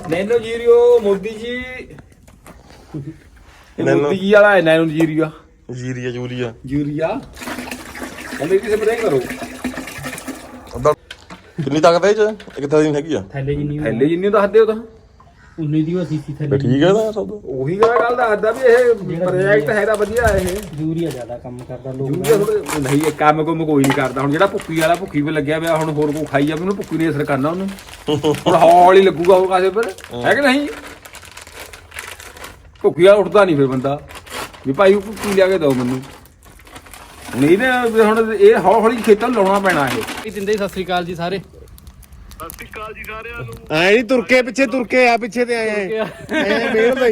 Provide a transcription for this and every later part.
Nano ਜੀਰੀਓ Modi ਜੀ ਮੋਦੀ ਜੀ ਵਾਲਾ ਹੈ ਨੈਨੋ ਜੀਰੀਆ ਯੂਰੀਆ ਕਹਿੰਦੇ ਕਿਸੇ ਸਪਰੇਅ ਕਰੋ। ਕਿੰਨੀ ਤਾਕਤ ਹੈ ਇਹ ਚ? ਇੱਕ ਤਾਂ ਦਿਨ ਹੈਗੀ ਆ ਥੈਲੇ ਜਿੰਨੀ ਦੱਸਦੇ ਹੋ ਤਾਂ 19 ਦੀ ਉਹ ਸੀਸੀ ਥੈਲੇ ਠੀਕ ਹੈ ਨਾ ਸਭ ਉਹੀ ਗੱਲ ਦੱਸਦਾ ਵੀ ਇਹ ਪ੍ਰੋਜੈਕਟ ਹੈਗਾ ਵਧੀਆ ਇਹ ਯੂਰੀਆ ਜ਼ਿਆਦਾ ਕੰਮ ਕਰਦਾ ਲੋਕ ਯੂਰੀਆ ਥੋੜ੍ਹਾ ਨਹੀਂ ਇਹ ਕੰਮ ਕੋਈ ਨਹੀਂ ਕਰਦਾ। ਹੁਣ ਜਿਹੜਾ ਭੁੱਕੀ ਵਾਲਾ ਭੁੱਕੀ ਵੀ ਲੱਗਿਆ ਪਿਆ ਹੁਣ ਹੋਰ ਕੋ ਖਾਈ ਜਾਵੇ ਉਹਨੂੰ ਭੁੱਕੀ ਨੇ ਅਸਰ ਕਰਨਾ ਉਹਨੂੰ ਹੁਣ ਹੌਲੀ ਲੱਗੂਗਾ ਉਹ ਕਾਸੇ ਪਰ ਹੈ ਕਿ ਨਹੀਂ। ਭੁੱਕੀ ਵਾਲਾ ਉੱਠਦਾ ਨਹੀਂ ਫਿਰ ਬੰਦਾ ਵੀ ਭਾਈ ਉਹ ਭੁੱਕੀ ਲਿਆ ਕੇ ਦਿਓ ਮੈਨੂੰ। ਹੁਣ ਇਹਨੇ ਹੁਣ ਇਹ ਹੌਲੀ ਖੇਤਾਂ ਨੂੰ ਲਾਉਣਾ ਪੈਣਾ ਇਹ ਦਿੰਦੇ ਸਤਿ ਸ੍ਰੀ ਅਕਾਲ ਜੀ ਸਾਰੇ। ਐ ਨਹੀਂ ਤੁਰਕੇ ਪਿੱਛੇ ਤੁਰਕੇ ਆ ਪਿੱਛੇ ਤੇ ਆਏ ਮੇਲਦਾ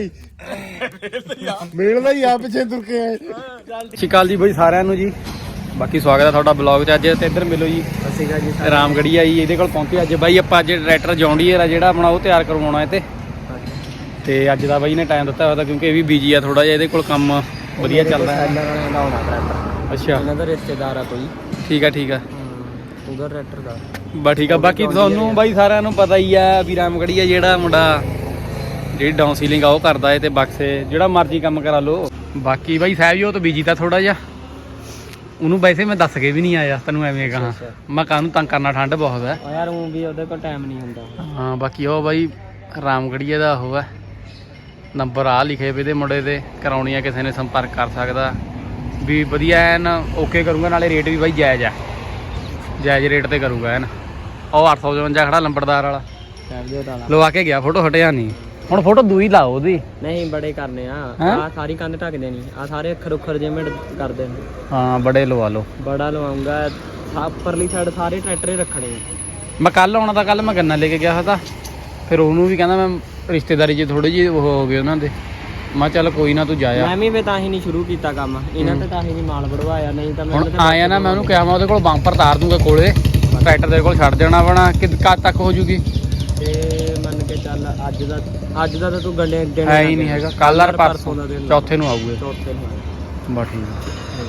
ਹੀ ਆ ਪਿੱਛੇ ਤੁਰਕੇ ਆਏ। ਸਤਿ ਸ਼੍ਰੀ ਅਕਾਲ ਜੀ ਬਾਈ ਸਾਰਿਆਂ ਨੂੰ ਜੀ। ਬਾਕੀ ਸਵਾਗਤ ਹੈ ਤੁਹਾਡਾ ਬਲੌਗ 'ਚ। ਅੱਜ ਤੇ ਇੱਧਰ ਮਿਲੋ ਜੀ ਸਤਿ ਸ਼੍ਰੀ ਅਕਾਲ ਜੀ ਰਾਮਗੜੀ ਆਈ ਇਹਦੇ ਕੋਲ ਪਹੁੰਚੇ ਅੱਜ ਬਾਈ ਆਪਾਂ। ਅੱਜ ਟਰੈਕਟਰ ਜੌਨ ਡੀਅਰ ਆ ਜਿਹੜਾ ਆਪਣਾ ਉਹ ਤਿਆਰ ਕਰਵਾਉਣਾ ਹੈ ਤੇ ਅੱਜ ਦਾ ਬਾਈ ਨੇ ਟਾਈਮ ਦਿੱਤਾ ਹੋਇਆ ਤਾਂ ਕਿਉਂਕਿ ਇਹ ਵੀ ਬਿਜੀ ਆ ਥੋੜਾ ਜਿਹਾ। ਇਹਦੇ ਕੋਲ ਕੰਮ ਵਧੀਆ ਚੱਲਦਾ ਹੈ। ਅੱਛਾ ਇਹਨਾਂ ਦਾ ਰਿਸ਼ਤੇਦਾਰ ਆ ਕੋਈ। ਠੀਕ ਆ ਉਹਦਾ ਟਰੈਕਟਰ ਦਾ ਬਸ ਠੀਕ ਆ। ਬਾਕੀ ਤੁਹਾਨੂੰ ਬਾਈ ਸਾਰਿਆਂ ਨੂੰ ਪਤਾ ਹੀ ਆ ਵੀ ਰਾਮਗੜੀ ਆ ਜਿਹੜਾ ਮੁੰਡਾ ਜਿਹੜੀ ਡਾਊਨ ਸੀਲਿੰਗ ਆ ਉਹ ਕਰਦਾ ਏ ਤੇ ਬਕਸੇ ਜਿਹੜਾ ਮਰਜ਼ੀ ਕੰਮ ਕਰਾ ਲਓ। ਬਾਕੀ ਬਾਈ ਸਾਹਿਬ ਜੀ ਉਹ ਤਾਂ ਬਿਜੀ ਤਾਂ ਥੋੜਾ ਜਿਹਾ ਉਹਨੂੰ ਵੈਸੇ ਮੈਂ ਦੱਸ ਕੇ ਵੀ ਨਹੀਂ ਆਇਆ ਤੈਨੂੰ ਐਵੇਂ ਕਹਾਂ ਮੈਂ ਕਾਹਨੂੰ ਤੰਗ ਕਰਨਾ ਠੰਡ ਬਹੁਤ ਹੈ ਯਾਰ ਉਹ ਵੀ ਉਹਦੇ ਕੋਲ ਟਾਈਮ ਨਹੀਂ ਹੁੰਦਾ। ਹਾਂ ਬਾਕੀ ਉਹ ਬਾਈ ਰਾਮਗੜੀਏ ਦਾ ਉਹ ਹੈ ਨੰਬਰ ਆ ਲਿਖੇ ਵੇ ਇਹਦੇ ਮੁੰਡੇ ਦੇ ਕਰਾਉਣੀ ਆ ਕਿਸੇ ਨੇ ਸੰਪਰਕ ਕਰ ਸਕਦਾ ਵੀ ਵਧੀਆ ਐਨ ਓਕੇ ਕਰੂੰਗਾ। ਨਾਲੇ ਰੇਟ ਵੀ ਬਾਈ ਜਾਇਜ਼ ਰੇਟ ਤੇ ਕਰੂੰਗਾ ਐਨ। ਉਹ 855 ਖੜਾ ਲੰਬੜਦਾਰ ਵਾਲਾ ਲਵਾ ਕੇ ਗਿਆ ਫੋਟੋ ਹਟਿਆ ਨਹੀਂ। ਹੁਣ ਫੋਟੋ ਦੂਈ ਲਾਓ ਉਹਦੀ ਨਹੀਂ ਬੜੇ ਕਰਨੇ ਆ ਸਾਰੀ ਕੰਧ ਢੱਕ ਦੇਣੀ ਆ ਸਾਰੇ ਅੱਖਰ ਉੱਖਰ ਜਿਵੇਂ ਕਰਦੇ ਨੇ। ਹਾਂ ਬੜੇ ਲਵਾ ਲਓ ਬੜਾ ਲਵਾਉਂਗਾ ਉੱਪਰਲੀ ਸਾਈਡ ਸਾਰੇ ਟਰੈਕਟਰ ਰੱਖਣੇ ਆ। ਮੈਂ ਕੱਲ ਆਉਣਾ ਤਾਂ ਕੱਲ ਮੈਂ ਗੰਨਾ ਲੈ ਕੇ ਗਿਆ ਤਾਂ ਫਿਰ ਉਹਨੂੰ ਵੀ ਕਹਿੰਦਾ ਮੈਂ ਰਿਸ਼ਤੇਦਾਰੀ 'ਚ ਥੋੜੇ ਜਿਹੇ ਉਹ ਹੋ ਗਏ ਉਹਨਾਂ ਦੇ। ਮੈਂ ਚੱਲ ਕੋਈ ਨਾ ਤੂੰ ਜਾਇਆ। ਮੈਂ ਵੀ ਤਾਂ ਹੀ ਨਹੀਂ ਸ਼ੁਰੂ ਕੀਤਾ ਕੰਮ ਇਹਨਾਂ ਤੇ ਤਾਂ ਹੀ ਨਹੀਂ ਮਾਲ ਵੜਵਾਇਆ। ਨਹੀਂ ਤਾਂ ਹੁਣ ਆਇਆ ਨਾ ਮੈਂ ਉਹਨੂੰ ਕਿਹਾ ਮੈਂ ਉਹਦੇ ਕੋਲ ਬੰਪਰ ਤਾਰ ਦੂੰਗਾ ਕੋਲੇ ਟਰੈਕਟਰ ਦੇ ਕੋਲ ਛੱਡ ਦੇਣਾ ਬਣਾ ਕਦ ਤੱਕ ਹੋ ਜੂਗੀ ਤੇ ਮੰਨ ਕੇ ਚੱਲ ਅੱਜ ਦਾ ਤਾਂ ਤੂੰ ਗੰਡੇ ਦਿਨ ਹੈ ਹੀ ਨਹੀਂ ਹੈਗਾ। ਕੱਲ ਯਾਰ ਪਰਸੋਂ ਦਾ ਦਿਨ ਚੌਥੇ ਨੂੰ ਆਊਗੇ। ਚੌਥੇ ਨੂੰ ਬਸ ਠੀਕ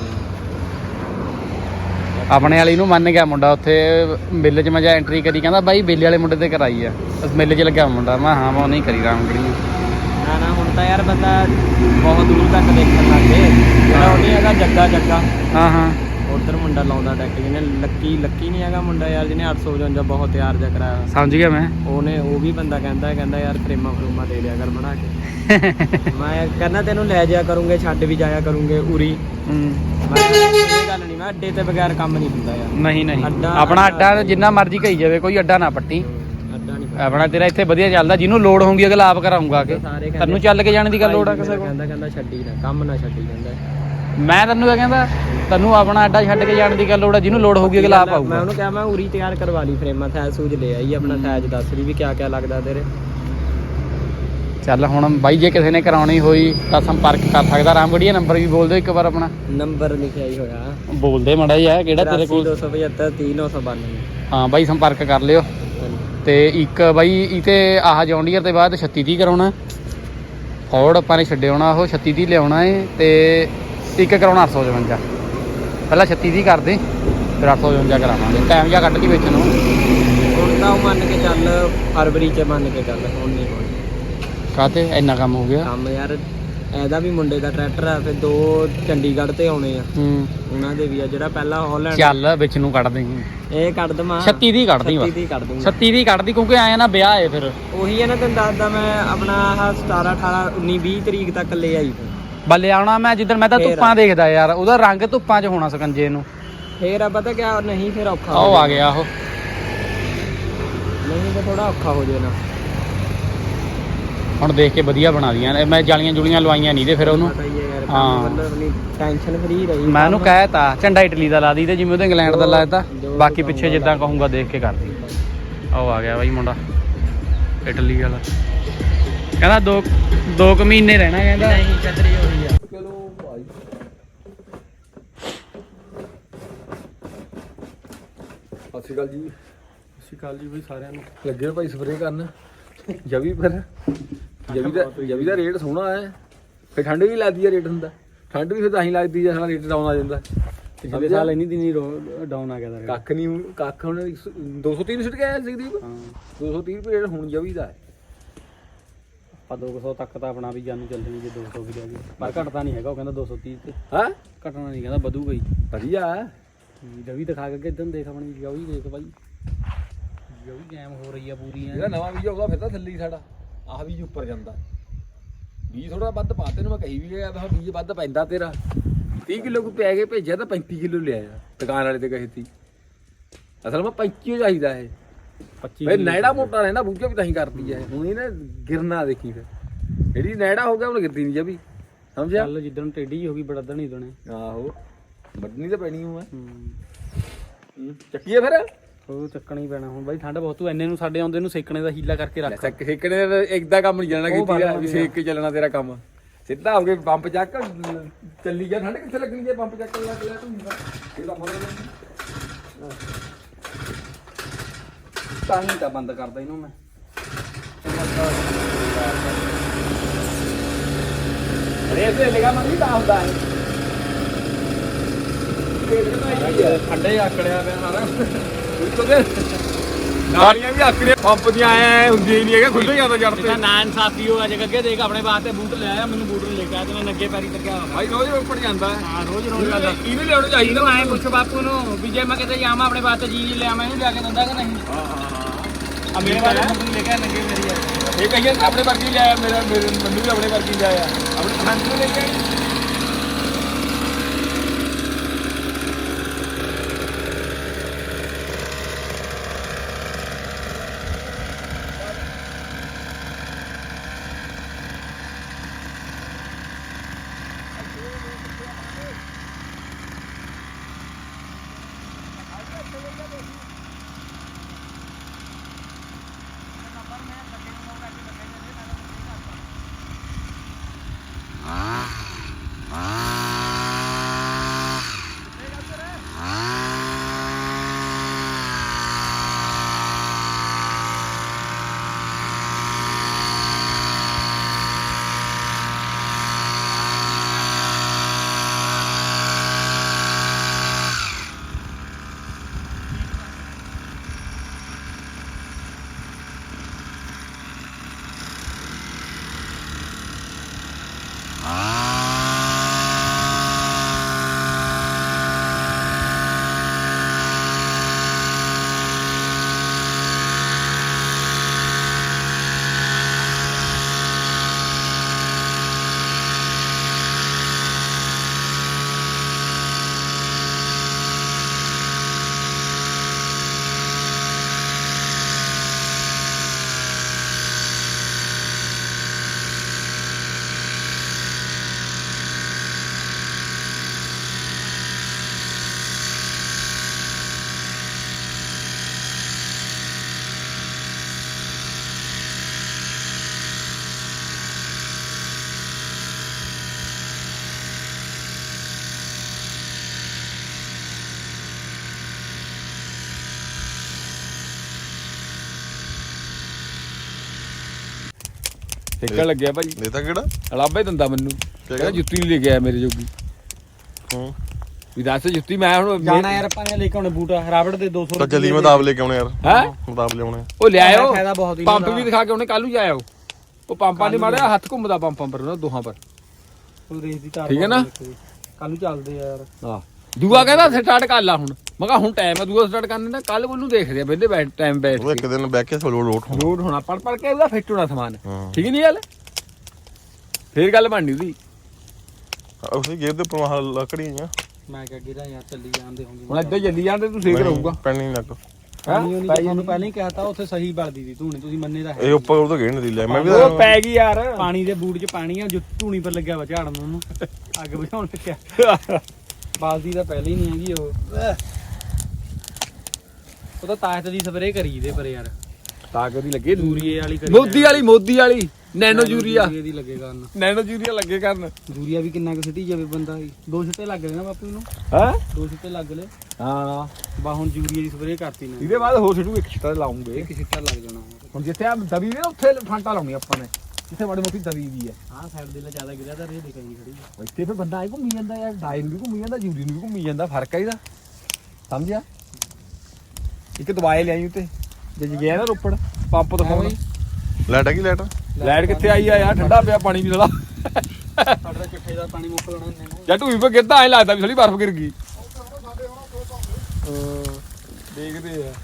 ਆਪਣੇ ਵਾਲੀ ਨੂੰ ਮੰਨ ਗਿਆ ਮੁੰਡਾ ਉੱਥੇ ਮਿੱਲ 'ਚ ਮੈਂ ਜਾ ਐਂਟਰੀ ਕਰੀ ਕਹਿੰਦਾ ਬਾਈ ਬੇਲੇ ਵਾਲੇ ਮੁੰਡੇ ਤੇ ਕਰਾਈ ਆ ਮਿੱਲ 'ਚ ਲੱਗਿਆ ਮੁੰਡਾ। ਮੈਂ ਹਾਂ ਮੈਂ ਉਹ ਨਹੀਂ ਕਰੀ ਰਾਮਗੜੀ ਨਾ ਹੁਣ ਤਾਂ ਯਾਰ ਬੰਦਾ ਬਹੁਤ ਦੂਰ ਤੱਕ ਦੇਖਣ ਲੱਗ ਗਏ। ਜਿਹੜਾ ਉਹ ਨਹੀਂ ਹੈਗਾ ਜੱਗਾ ਹਾਂ ਉਧਰ ਮੁੰਡਾ ਲਾਉਂਦਾ ਡੈਕ ਜਿਹਨੇ ਲੱਕੀ ਨਹੀਂ ਹੈਗਾ ਮੁੰਡਾ ਯਾਰ ਜਿਹਨੇ 855 ਬਹੁਤ ਤਿਆਰ ਜਾ ਕਰਾਇਆ। ਸਮਝ ਗਿਆ ਮੈਂ। ਉਹ ਵੀ ਬੰਦਾ ਕਹਿੰਦਾ ਯਾਰ ਫਰੇਮਾਂ ਦੇ ਦਿਆ ਕਰ ਬਣਾ ਕੇ। ਮੈਂ ਕਹਿੰਦਾ ਤੈਨੂੰ ਲੈ ਜਾਇਆ ਕਰੂੰਗੇ ਛੱਡ ਵੀ ਜਾਇਆ ਕਰੂੰਗੇ ਉਰੀ। ਮੈਂ ਇਹ ਗੱਲ ਨਹੀਂ ਮੈਂ ਅੱਡੇ ਤੇ ਬਗੈਰ ਕੰਮ ਨਹੀਂ ਹੁੰਦਾ ਯਾਰ। ਨਹੀਂ ਆਪਣਾ ਅੱਡਾ ਜਿੰਨਾ ਮਰਜ਼ੀ ਕਹੀ ਜਾਵੇ ਕੋਈ ਅੱਡਾ ਨਾ ਪੱਟੀ। ਆਪਣਾ ਤੇਰਾ ਇੱਥੇ ਵਧੀਆ ਚੱਲਦਾ ਜਿਹਨੂੰ ਲੋੜ ਹੋਊਗੀ ਅਗਲਾ ਆਪ ਕਰਾਉਂਗਾ ਕਿ ਤੈਨੂੰ ਚੱਲ ਕੇ ਜਾਣ ਦੀ ਗੱਲ ਲੋੜ ਆ ਕਿਸੇ ਕੋਲ। ਕਹਿੰਦਾ ਛੱਡੀ ਨਾ ਕੰਮ ਨਾ ਛੱਡੀ ਜਾਂਦਾ। ਮੈਂ ਤੈਨੂੰ ਇਹ ਕਹਿੰਦਾ ਤੈਨੂੰ ਆਪਣਾ ਅੱਡਾ ਛੱਡ ਕੇ ਜਾਣ ਦੀ ਗੱਲ ਲੋੜ ਆ ਜਿਹਨੂੰ ਲੋੜ ਹੋਊਗੀ ਅਗਲਾ ਆਪ ਆਊਗਾ। ਮੈਂ ਉਹਨੂੰ ਕਿਹਾ ਮੈਂ ਉਰੀ ਤਿਆਰ ਕਰਵਾ ਲਈ ਫਰੇਮਾਂ ਥੈਜ ਸੂਜ ਲੈ ਆਈ ਆਪਣਾ ਥੈਜ ਦੱਸ ਰਹੀ ਵੀ ਕਿਆ ਲੱਗਦਾ ਤੇਰੇ। ਚੱਲ ਹੁਣ ਬਾਈ ਜੇ ਕਿਸੇ ਨੇ ਕਰਾਉਣੀ ਹੋਈ ਤਾਂ ਸੰਪਰਕ ਕਰ ਸਕਦਾ। ਰਾਮਗੜੀਆ ਨੰਬਰ ਵੀ ਬੋਲ ਦਿਓ ਇੱਕ ਵਾਰ ਆਪਣਾ। ਨੰਬਰ ਲਿਖਿਆ ਹੀ ਹੋਇਆ ਬੋਲ ਦੇ ਮਾੜਾ ਜਿਹਾ ਕਿਹੜਾ ਤੇਰੇ ਕੋਲ। 275 30992। ਹਾਂ ਬਾਈ ਸੰਪਰਕ ਕਰ ਲਿਓ। ਤੇ ਇੱਕ ਬਾਈ ਇਹ ਤੇ ਆਹ ਜੌਂਡੀਅਰ ਦੇ ਬਾਅਦ 36 ਦੀ ਕਰਾਉਣਾ ਫੋਰਡ ਆਪਾਂ ਨੇ ਛੱਡੇ ਆਉਣਾ ਉਹ 36 ਦੀ ਲਿਆਉਣਾ ਏ ਤੇ ਇੱਕ ਕਰਾਉਣਾ 855। ਪਹਿਲਾਂ 36 ਦੀ ਕਰਦੇ ਫਿਰ 855 ਕਰਾਵਾਂਗੇ। ਟਾਈਮ ਜਿਹਾ ਕੱਢ ਕੇ ਵੇਚਣ ਨੂੰ ਹੁਣ ਤਾਂ ਉਹ ਮੰਨ ਕੇ ਚੱਲ ਫਰਵਰੀ 'ਚ ਮੰਨ ਕੇ ਚੱਲ ਹੁਣ ਨਹੀਂ ਹੋਣੀ। ਕਾਹਤੇ ਇੰਨਾ ਕੰਮ ਹੋ ਗਿਆ ਕੰਮ ਯਾਰ ਇਹਦਾ ਵੀ ਮੁੰਡੇ ਦਾ ਟਰੈਕਟਰ ਆ ਫਿਰ 2 ਚੰਡੀਗੜ੍ਹ ਤੇ ਆਉਣੇ ਆ ਉਹਨਾਂ ਦੇ ਵੀ ਆ ਜਿਹੜਾ ਪਹਿਲਾਂ ਹਾਲੈਂਡ ਚੱਲ ਵਿੱਚ ਨੂੰ ਕੱਢ ਦੇਂਗੇ। ਇਹ ਕੱਢ ਦਵਾਂ 36 ਦੀ ਕੱਢਦੀ ਬਸ 36 ਦੀ ਕੱਢਦੀ ਕਿਉਂਕਿ ਆਇਆ ਨਾ ਵਿਆਹ ਏ ਫਿਰ ਉਹੀ ਹੈ ਨਾ ਤੈਨੂੰ ਦੱਸਦਾ ਮੈਂ ਆਪਣਾ ਆਹ 17 18 19 20 ਤਰੀਕ ਤੱਕ ਲੈ ਆਈ ਬੱਲੇ ਆਉਣਾ ਮੈਂ ਜਿੱਦਣ ਮੈਂ ਤਾਂ ਧੁੱਪਾਂ ਦੇਖਦਾ ਯਾਰ ਉਹਦਾ ਰੰਗ ਧੁੱਪਾਂ 'ਚ ਹੋਣਾ ਸਕੰਜੇ ਨੂੰ। ਫੇਰ ਆ ਪਤਾ ਕਿਆ ਨਹੀਂ ਫਿਰ ਔਖਾ ਉਹ ਆ ਗਿਆ ਉਹ ਨਹੀਂ ਤਾਂ ਥੋੜਾ ਔਖਾ ਹੋ ਜਾਏ ਨਾ। ਹੁਣ ਦੇਖ ਕੇ ਵਧੀਆ ਬਣਾ ਦੀਆਂ ਮੈਂ ਜਾਲੀਆਂ ਜੁਲੀਆਂ ਲਵਾਈਆਂ ਨਹੀਂ ਤੇ ਫਿਰ ਉਹਨੂੰ ਹਾਂ ਟੈਨਸ਼ਨ ਫਰੀ ਰਹੀ। ਮੈਂ ਉਹਨੂੰ ਕਹਿ ਤਾ ਝੰਡਾ ਇਟਲੀ ਦਾ ਲਾ ਦੀ ਤੇ ਜਿਵੇਂ ਉਹਦੇ ਇੰਗਲੈਂਡ ਦਾ ਲਾਇਆ ਤਾ ਬਾਕੀ ਪਿੱਛੇ ਜਿੱਦਾਂ ਕਹੂੰਗਾ ਦੇਖ ਕੇ ਕਰਦੀ। ਉਹ ਆ ਗਿਆ ਬਾਈ ਮੁੰਡਾ ਇਟਲੀ ਵਾਲਾ ਕਹਿੰਦਾ 2 ਮਹੀਨੇ ਰਹਿਣਾ ਕਹਿੰਦਾ। ਨਹੀਂ ਚੱਦਰੀ ਹੋਈ ਆ। ਚਲੋ ਭਾਈ ਸਤਿ ਸ਼੍ਰੀ ਅਕਾਲ ਜੀ ਬਾਈ ਸਾਰਿਆਂ ਨੂੰ। ਲੱਗੇ ਭਾਈ ਸਪਰੇਅ ਕਰਨ ਜਵੀ ਫਿਰ ਜਵੀ ਦਾ ਰੇਟ ਸੋਹਣਾ ਹੈ ਫਿਰ ਠੰਡ ਵੀ ਲੱਗਦੀ ਹੈ ਰੇਟ ਹੁੰਦਾ ਠੰਡ ਵੀ ਫਿਰ ਤਾਂ ਹੀ ਲੱਗਦੀ ਜੇ ਸਾਡਾ ਰੇਟ ਡਾਊਨ ਆ ਜਾਂਦਾ। ਪਿਛਲੇ ਸਾਲ ਇੰਨੀ ਦਿਨੀ ਡਾਊਨ ਆ ਗਿਆ ਕੱਖ ਨਹੀਂ ਕੱਖ ਹੁਣ 230 ਸਿੱਟ ਗਿਆ ਜਗਦੀਪ। 230 ਰੁਪਏ ਰੇਟ ਹੁਣ ਜਵੀ ਦਾ ਹੈ ਆਪਾਂ 200 ਤੱਕ ਤਾਂ ਆਪਣਾ ਵੀ ਜਾਨੂੰ ਚੱਲਣੀ ਜੇ 200 ਵੀ ਲੈ ਗਏ ਪਰ ਘਟਦਾ ਨਹੀਂ ਹੈਗਾ ਉਹ ਕਹਿੰਦਾ 230 ਤੇ ਹਾਂ ਘਟਣਾ ਨਹੀਂ ਕਹਿੰਦਾ ਵਧੂਗਾ ਹੀ ਵਧੀਆ ਜਵੀ ਦਿਖਾ ਕੇ ਇਦਾਂ ਦੇਖ ਆਪਣੀ ਜਵੀ ਦੇਖ ਬਾਈ ਜਵੀ ਗੈਮ ਹੋ ਰਹੀ ਆ ਪੂਰੀ ਜਿਹੜਾ ਨਵਾਂ ਬੀਜ ਆਉਂਦਾ ਫਿਰ ਤਾਂ ਥੱਲੇ ਹੀ ਸਾਡਾ ਆਹ ਬੀਜ ਉੱਪਰ ਜਾਂਦਾ ਬੀਜ ਥੋੜਾ ਵੱਧ ਪਾ ਤੈਨੂੰ ਮੈਂ ਕਹੀ ਵੀ ਗਿਆ ਤਾਂ ਬੀਜ ਵੱਧ ਪੈਂਦਾ ਤੇਰਾ 30 ਕਿਲੋ ਕੋ ਪੈ ਕੇ ਭੇਜਿਆ ਤਾਂ 35 ਕਿਲੋ ਲਿਆ ਦੁਕਾਨ ਵਾਲੇ ਤੇ ਕਹੀ ਤੀ ਅਸਲ ਮੈਂ 25 ਚਾਹੀਦਾ ਇਹ 25 ਵੇ ਨੈੜਾ ਮੋਟਾ ਰਹਿੰਦਾ ਬੂਝਾ ਵੀ ਤਾਂ ਹੀ ਕਰਦੀ ਹੈ ਹੁਣ ਇਹ ਨਾ ਗਿਰਨਾ ਦੇਖੀ ਫਿਰ ਜਿਹੜੀ ਨੈੜਾ ਹੋ ਗਿਆ ਹੁਣ ਗਿਰਦੀ ਨਹੀਂ ਜਬੀ ਸਮਝਿਆ ਚੱਲ ਜਿੱਦਣ ਟੇਢੀ ਹੋ ਗਈ ਬੜਦਣ ਹੀ ਦਣੇ ਆਹੋ ਵੱਢਣੀ ਤਾਂ ਪੈਣੀ ਹੂੰ ਚੱਕੀਏ ਫਿਰ ਉਹ ਚੱਕਣਾ ਹੀ ਪੈਣਾ ਹੁਣ ਬਾਈ ਠੰਡ ਬਹੁਤ ਤੂੰ ਇੰਨੇ ਨੂੰ ਸਾਡੇ ਆਉਂਦੇ ਨੂੰ ਸੇਕਣੇ ਦਾ ਹੀਲਾ ਕਰਕੇ ਰੱਖ ਸੇਕਣੇ ਦਾ ਇੱਕਦਾ ਕੰਮ ਨਹੀਂ ਜਾਣਾ ਕੀਤੀ ਆ ਵੀ ਸੇਕ ਕੇ ਚੱਲਣਾ ਤੇਰਾ ਕੰਮ ਸਿੱਧਾ ਹੋ ਕੇ ਪੰਪ ਚੱਕ ਚੱਲੀ ਜਾ ਠੰਡ ਕਿੱਥੇ ਲੱਗਣੀ ਜੇ ਪੰਪ ਚੱਕ ਲੱਗ ਲਿਆ ਤੂੰ ਇਹਦਾ ਮਤਲਬ ਤਾਂ ਹੀ ਤਾਂ ਬੰਦ ਕਰਦਾ ਇਹਨੂੰ ਮੈਂ ਅਰੇ ਇਹ ਲਗਾ ਮੰਗੀ ਤਾਂ ਹੁੰਦਾ ਹੈ ਠੰਡੇ ਆਕੜਿਆ ਪਿਆ ਸਾਰਾ ਨਾਲੀਆਂ ਵੀ ਆਕੜੇ ਪੰਪ ਦੀਆਂ ਆਏ ਹੁੰਦੀਆਂ ਹੀ ਨਹੀਂ ਹੈਗੇ ਖੁੱਲੇ ਜਾਂਦਾ ਜੜ ਤੇ ਨਾ ਇਨਸਾਫੀ ਹੋ ਅੱਜ ਅੱਗੇ ਦੇਖ ਆਪਣੇ ਵਾਸਤੇ ਬੂਟ ਲੈ ਆਇਆ ਮੈਨੂੰ ਬੂਟ ਨਹੀਂ ਲੈ ਕੇ ਆਇਆ ਤੇ ਮੈਂ ਨੰਗੇ ਪੈਰੀ ਲੱਗਿਆ ਹੋਇਆ ਭਾਈ ਰੋਜ਼ ਉੱਪਰ ਜਾਂਦਾ ਹਾਂ ਰੋਜ਼ ਰੋਜ਼ ਜਾਂਦਾ ਇਹਨੇ ਲਿਆਉਣਾ ਚਾਹੀਦਾ ਇਹਨੂੰ ਐਂ ਪੁੱਛ ਬਾਪੂ ਨੂੰ ਵੀ ਜੇ ਮੈਂ ਕਿਤੇ ਜਾਵਾਂ ਆਪਣੇ ਵਾਸਤੇ ਜੀ ਲੈ ਆਵਾਂ ਇਹਨੂੰ ਲਿਆ ਕੇ ਦਿੰਦਾ ਕਿ ਨਹੀਂ ਆ ਮੇਰੇ ਵਾਲੇ ਬੂਟ ਨਹੀਂ ਲੈ ਕੇ ਆਇਆ ਨੰਗੇ ਮੇਰੀ ਆ ਇਹ ਕਹੀਏ ਆਪਣੇ ਵਰਗੀ ਲਿਆਇਆ ਮੇਰੇ ਮੈਨੂੰ ਵੀ ਆਪਣੇ ਵਰਗੀ ਲਿਆਇਆ ਆਪਣੇ ਪਸੰਦ ਨੂੰ ਲੈ ਕੇ ਆਈ ਟਿਕਣ ਲੱਗਿਆ ਭਾਈ ਇਹ ਤਾਂ ਕਿਹੜਾ ਅਲਾਬਾ ਹੀ ਦਿੰਦਾ ਮੈਨੂੰ ਕਹਿੰਦਾ ਜੁੱਤੀ ਨਹੀਂ ਲੈ ਕੇ ਆਇਆ ਮੇਰੇ ਜੋਗੀ ਹੂੰ ਵੀ ਦੱਸ ਜੁੱਤੀ ਮੈਂ ਹੁਣ ਜਾਣਾ ਯਾਰ ਆਪਾਂ ਨੇ ਲੈ ਕੇ ਆਉਣੇ ਬੂਟ ਰਾਬੜ ਦੇ 200 ਤਾਂ ਚੱਲੀ ਮਦਾਬ ਲੈ ਕੇ ਆਉਣੇ ਯਾਰ ਹੈ ਮਦਾਬ ਲਿਆਉਣੇ ਉਹ ਲਿਆਇਓ ਫਾਇਦਾ ਬਹੁਤ ਹੀ ਪੰਪ ਵੀ ਦਿਖਾ ਕੇ ਉਹਨੇ ਕੱਲ ਨੂੰ ਜਾਇਓ ਉਹ ਪੰਪਾਂ ਨੇ ਮਾਰਿਆ ਹੱਥ ਘੁੰਮਦਾ ਪੰਪਾਂ ਪਰ ਉਹਨਾਂ ਦੋਹਾਂ ਪਰ ਫੁੱਲ ਰੇਸ ਦੀ ਤਾਰ ਠੀਕ ਹੈ ਨਾ? ਕੱਲ ਨੂੰ ਚੱਲਦੇ ਆ ਯਾਰ ਹਾਂ ਦੂਆ ਕਹਿੰਦਾ ਸਟਾਰਟ ਕਰ ਲਾ ਹੁਣ ਮੈਂ ਕਿਹਾ ਹੁਣ ਟਾਈਮ ਹੈ ਦੂਆ ਸਟਾਰਟ ਕਰਨੇ ਦਾ ਕੱਲ ਉਹਨੂੰ ਦੇਖਦੇ ਆ ਵਿਹਲੇ ਬੈਠ ਟਾਈਮ ਬੈਠ ਉਹ ਇੱਕ ਦਿਨ ਬਹਿ ਕੇ ਸੋਲੋ ਲੋਟ ਹੋਣਾ ਲੋਡ ਹੋਣਾ ਪੜ ਕੇ ਉਹਦਾ ਫਿੱਟ ਹੋਣਾ ਸਮਾਨ ਹਾਂ ਠੀਕ ਨਹੀਂ ਗੱਲ ਫੇਰ ਗੱਲ ਬਣਨੀ ਉਹਦੀ ਉਸੇ ਗੇਰ ਦੇ ਉੱਪਰ ਮਹਾ ਲੱਕੜੀ ਆ ਮੈਂ ਕਿਹਾ ਗਿਰਾ ਯਾਰ ਚੱਲੀ ਜਾਂਦੇ ਹੋਣਗੇ ਹੁਣ ਇੱਦਾਂ ਜੱਲੀ ਜਾਂਦੇ ਤੂੰ ਸੇਕ ਰਹੂਗਾ ਪੈਣੀ ਲੱਗ ਨਹੀਂ ਤੁਹਾਨੂੰ ਪਹਿਲਾਂ ਹੀ ਕਹਿਤਾ ਉੱਥੇ ਸਹੀ ਬਲਦੀ ਸੀ ਧੂਣੀ ਤੁਸੀਂ ਮੰਨੇ ਦਾ ਹੈ ਇਹ ਉੱਪਰ ਉਹ ਤਾਂ ਗੇੜ ਨਹੀਂ ਲਿਆ ਮੈਂ ਵੀ ਉਹ ਪੈ ਗਈ ਯਾਰ ਪਾਣੀ ਦੇ ਬੂਟ 'ਚ ਪਾਣੀ ਆ ਜੋ ਧੂਣੀ ਪਰ ਲੱਗਿਆ ਵਾ ਝਾੜਨ ਉਹਨੂੰ ਅੱਗ ਬੁਝਾਉਣ ਲੱਗਿਆ ਬਾਲਦੀ ਤਾਂ ਪਹਿਲਾਂ ਹੀ ਨਹੀਂ ਹੈਗੀ ਉਹ ਤਾਂ ਤਾਕਤ ਦੀ ਸਪਰੇਅ ਕਰੀ ਦੇ ਪਰ ਯਾਰ ਤਾਕਤ ਦੀ ਲੱਗੇ ਯੂਰੀਏ ਵਾਲੀ ਕਰੀ ਮੋਦੀ ਵਾਲੀ ਨੈਨੋ ਯੂਰੀਆ ਦੀ ਲੱਗੇ ਕਰਨ ਨੈਨੋ ਯੂਰੀਆ ਲੱਗੇ ਕਰਨ ਯੂਰੀਆ ਵੀ ਕਿੰਨਾ ਕੁ ਸਿੱਟੀ ਜਾਵੇ ਬੰਦਾ ਦੋ ਛਿੱਟੇ ਲੱਗ ਗਏ ਨਾ ਬਾਪੂ ਨੂੰ ਹੈ ਦੋ ਛਿੱਟੇ ਲੱਗ ਲਏ ਹਾਂ ਬਾ ਹੁਣ ਯੂਰੀਆ ਦੀ ਸਪਰੇਅ ਕਰਤੀ ਨਾ ਇਹਦੇ ਬਾਅਦ ਹੋਰ ਛਿੱਟੂ ਇੱਕ ਛਿੱਟਾ ਲਾਉਂਗੇ ਇੱਕ ਛਿੱਟਾ ਲੱਗ ਜਾਣਾ ਹੁਣ ਜਿੱਥੇ ਆ ਦਵੀ ਨੇ ਉੱਥੇ ਫਾਂਟਾ ਲਾਉਣੀ ਆਪਾਂ ਨੇ ਜਿੱਥੇ ਮਾੜੀ ਮੋਟੀ ਦਵੀ ਵੀ ਹੈ ਆਹ ਸਾਈਡ ਦੇ ਲਾ ਜ਼ਿਆਦਾ ਗਿਰਿਆ ਤਾਂ ਰੇ ਦਿਖਾਈ ਖੜੀ ਇੱਥੇ ਫਿਰ ਬੰਦਾ ਆਈ ਘੁੰਮੀ ਜਾਂਦਾ ਯਾਰ ਡਾਇਨ ਵੀ ਘੁੰਮੀ ਜਾਂਦਾ ਯੂਰੀ ਨੂੰ ਵੀ ਘੁੰਮੀ ਜਾਂਦਾ ਫਰਕ ਆ ਇਹਦਾ ਸਮਝਿਆ ਇੱਕ ਦਵਾਈ ਲਿਆਈ ਉੱਤੇ ਜੇ ਗਿਆ ਨਾ ਰੋਪੜ ਪੰਪ ਤੋਂ ਫੋਨ ਲਾਈਟ ਹੈਗੀ ਲਾਈਟ ਲਾਈਟ ਕਿੱਥੇ ਆਈ ਆ ਯਾਰ ਠੰਡਾ ਪਿਆ ਪਾਣੀ ਵੀ ਸਾਲਾ ਸਾਡਾ ਚਿੱਠੇ ਦਾ ਪਾਣੀ ਮੁੱਕ ਲੈਣਾ ਇੰਨੇ ਨੂੰ ਜਾਂ ਢੂਈ ਪੇ ਗਿਰਦਾ ਐ ਲੱਗਦਾ ਵੀ ਸਾਲੀ ਬਰਫ਼ ਗਿਰ ਗਈ ਦੇਖਦੇ ਆ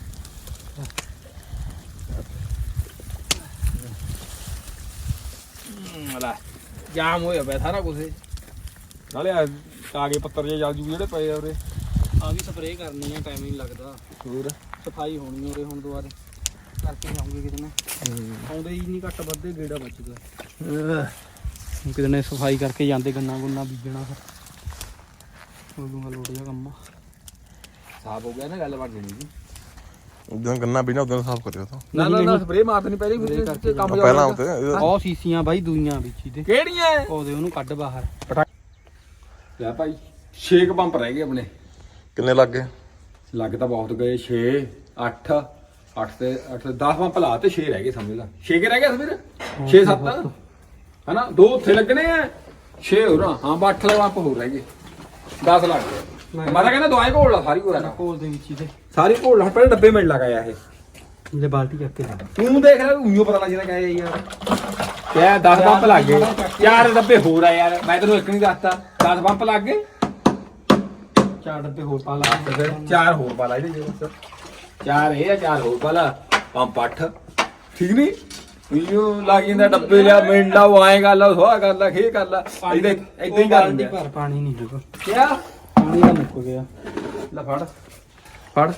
ਲੈ ਜਾਮ ਹੋਇਆ ਪਿਆ ਸਾਰਾ ਕੁਝ ਨਾਲੇ ਕਾਗੇ ਪੱਤਰ ਜੇ ਜਲ ਜੂ ਜਿਹੜੇ ਪਏ ਆ ਉਰੇ ਆ ਵੀ ਸਪਰੇਅ ਕਰਨੀ ਆ ਟਾਈਮ ਨਹੀਂ ਲੱਗਦਾ ਹੋਰ ਸਫਾਈ ਹੋਣੀ ਉਰੇ ਹੁਣ ਦੁਬਾਰੇ ਕਰਕੇ ਜਾਉਂਗੇ ਕਿਤੇ ਨਾ ਆਉਂਦੇ ਹੀ ਨਹੀਂ ਘੱਟ ਵੱਧੇ ਗੇੜਾ ਬਚਦਾ ਕਿਤੇ ਨੇ ਸਫਾਈ ਕਰਕੇ ਜਾਂਦੇ ਗੰਨਾ ਗੁੰਨਾ ਬੀਜਣਾ ਫਿਰ ਉਦੋਂ ਲੋਟ ਜਾ ਕੰਮ ਸਾਫ ਹੋ ਗਿਆ ਨਾ ਗੱਲ ਬਣ ਜਣੀ ਜੀ ਉਦੋਂ ਗੰਨਾ ਵੀ ਨਾ ਉਦੋਂ ਸਾਫ਼ ਕਰਿਓ ਤਾਂ ਨਾ ਸਪਰੇਅ ਮਾਰ ਦੇਣੀ ਪਹਿਲੇ ਫਿਰ ਕਰਕੇ ਕੰਮ ਜਾ ਪਹਿਲਾਂ ਉੱਤੇ ਉਹ ਸੀਸੀਆਂ ਬਾਈ ਦੂਈਆਂ ਵਿੱਚ ਹੀ ਤੇ ਕਿਹੜੀਆਂ ਉਹਦੇ ਉਹਨੂੰ ਕੱਢ ਬਾਹਰ ਲੈ ਭਾਈ 6 ਪੰਪ ਰਹਿ ਗਏ ਆਪਣੇ ਕਿੰਨੇ ਲੱਗ ਗਏ ਲੱਗ ਤਾਂ ਬਹੁਤ ਗਏ 6 8 8 ਤੇ 10 ਪੰਪ ਲਾ ਤੇ 6 ਰਹਿ ਗਏ ਸਮਝ ਲਾ 6 ਕੇ ਰਹਿ ਗਏ ਸਮਝ 6 7 ਹਨਾ 2 ਉੱਥੇ ਲੱਗਣੇ ਆ 6 ਹੋਰ ਹਾਂ 8 ਪੰਪ ਹੋਰ ਰਹਿ ਗਏ 10 ਲੱਗ ਗਏ ਮੈਂ ਤਾਂ ਕਹਿੰਦਾ ਦਵਾਈ ਘੋਲ ਲਾ ਸਾਰੀ ਕੋਲ ਕੋਲ ਦੇ ਵਿੱਚ ਹੀ ਤੇ ਸਾਰੀ ਘੋਲ ਲਾ ਪਹਿਲੇ ਡੱਬੇ ਮਿਲ ਲਗਾਇਆ ਇਹ ਜੇ ਬਾਲਟੀ ਚੱਕ ਕੇ ਲਾ ਤੂੰ ਦੇਖ ਲੈ ਉਈਓ ਪਤਾ ਲੱਗ ਜਾਂਦਾ ਕਹੇ ਯਾਰ ਕਿਆ 10 ਪੰਪ ਲੱਗ ਗਏ 4 ਡੱਬੇ ਹੋਰ ਆ ਯਾਰ ਮੈਂ ਤੈਨੂੰ ਇੱਕ ਨਹੀਂ ਦੱਸਤਾ 10 ਪੰਪ ਲੱਗ ਗਏ 4 ਡੱਬੇ ਹੋਰ ਪਾ ਲਾ ਤੇ ਫਿਰ 4 ਹੋਰ ਪਾ ਲਾ ਇਹਦੇ ਵਿੱਚ 4 ਇਹ ਆ 4 ਹੋਰ ਪਾ ਲਾ ਪੰਪ 8 ਠੀਕ ਨਹੀਂ ਉਈਓ ਲੱਗ ਜਾਂਦਾ ਡੱਬੇ ਲਿਆ ਮਿੰਟ ਲਾ ਉਹ ਆਏ ਗੱਲ ਸਵਾਹ ਕਰ ਲਾ ਖੇ ਕਰ ਲਾ ਇਹਦੇ ਇਦਾਂ ਹੀ ਕਰ ਦਿੰਦੇ ਭਰ ਪਾਣੀ ਨਹੀਂ ਹੈਗਾ ਕਿਆ ਪਾਣੀ ਦਾ ਮੁੱਕ ਗਿਆ ਲੈ ਫੜ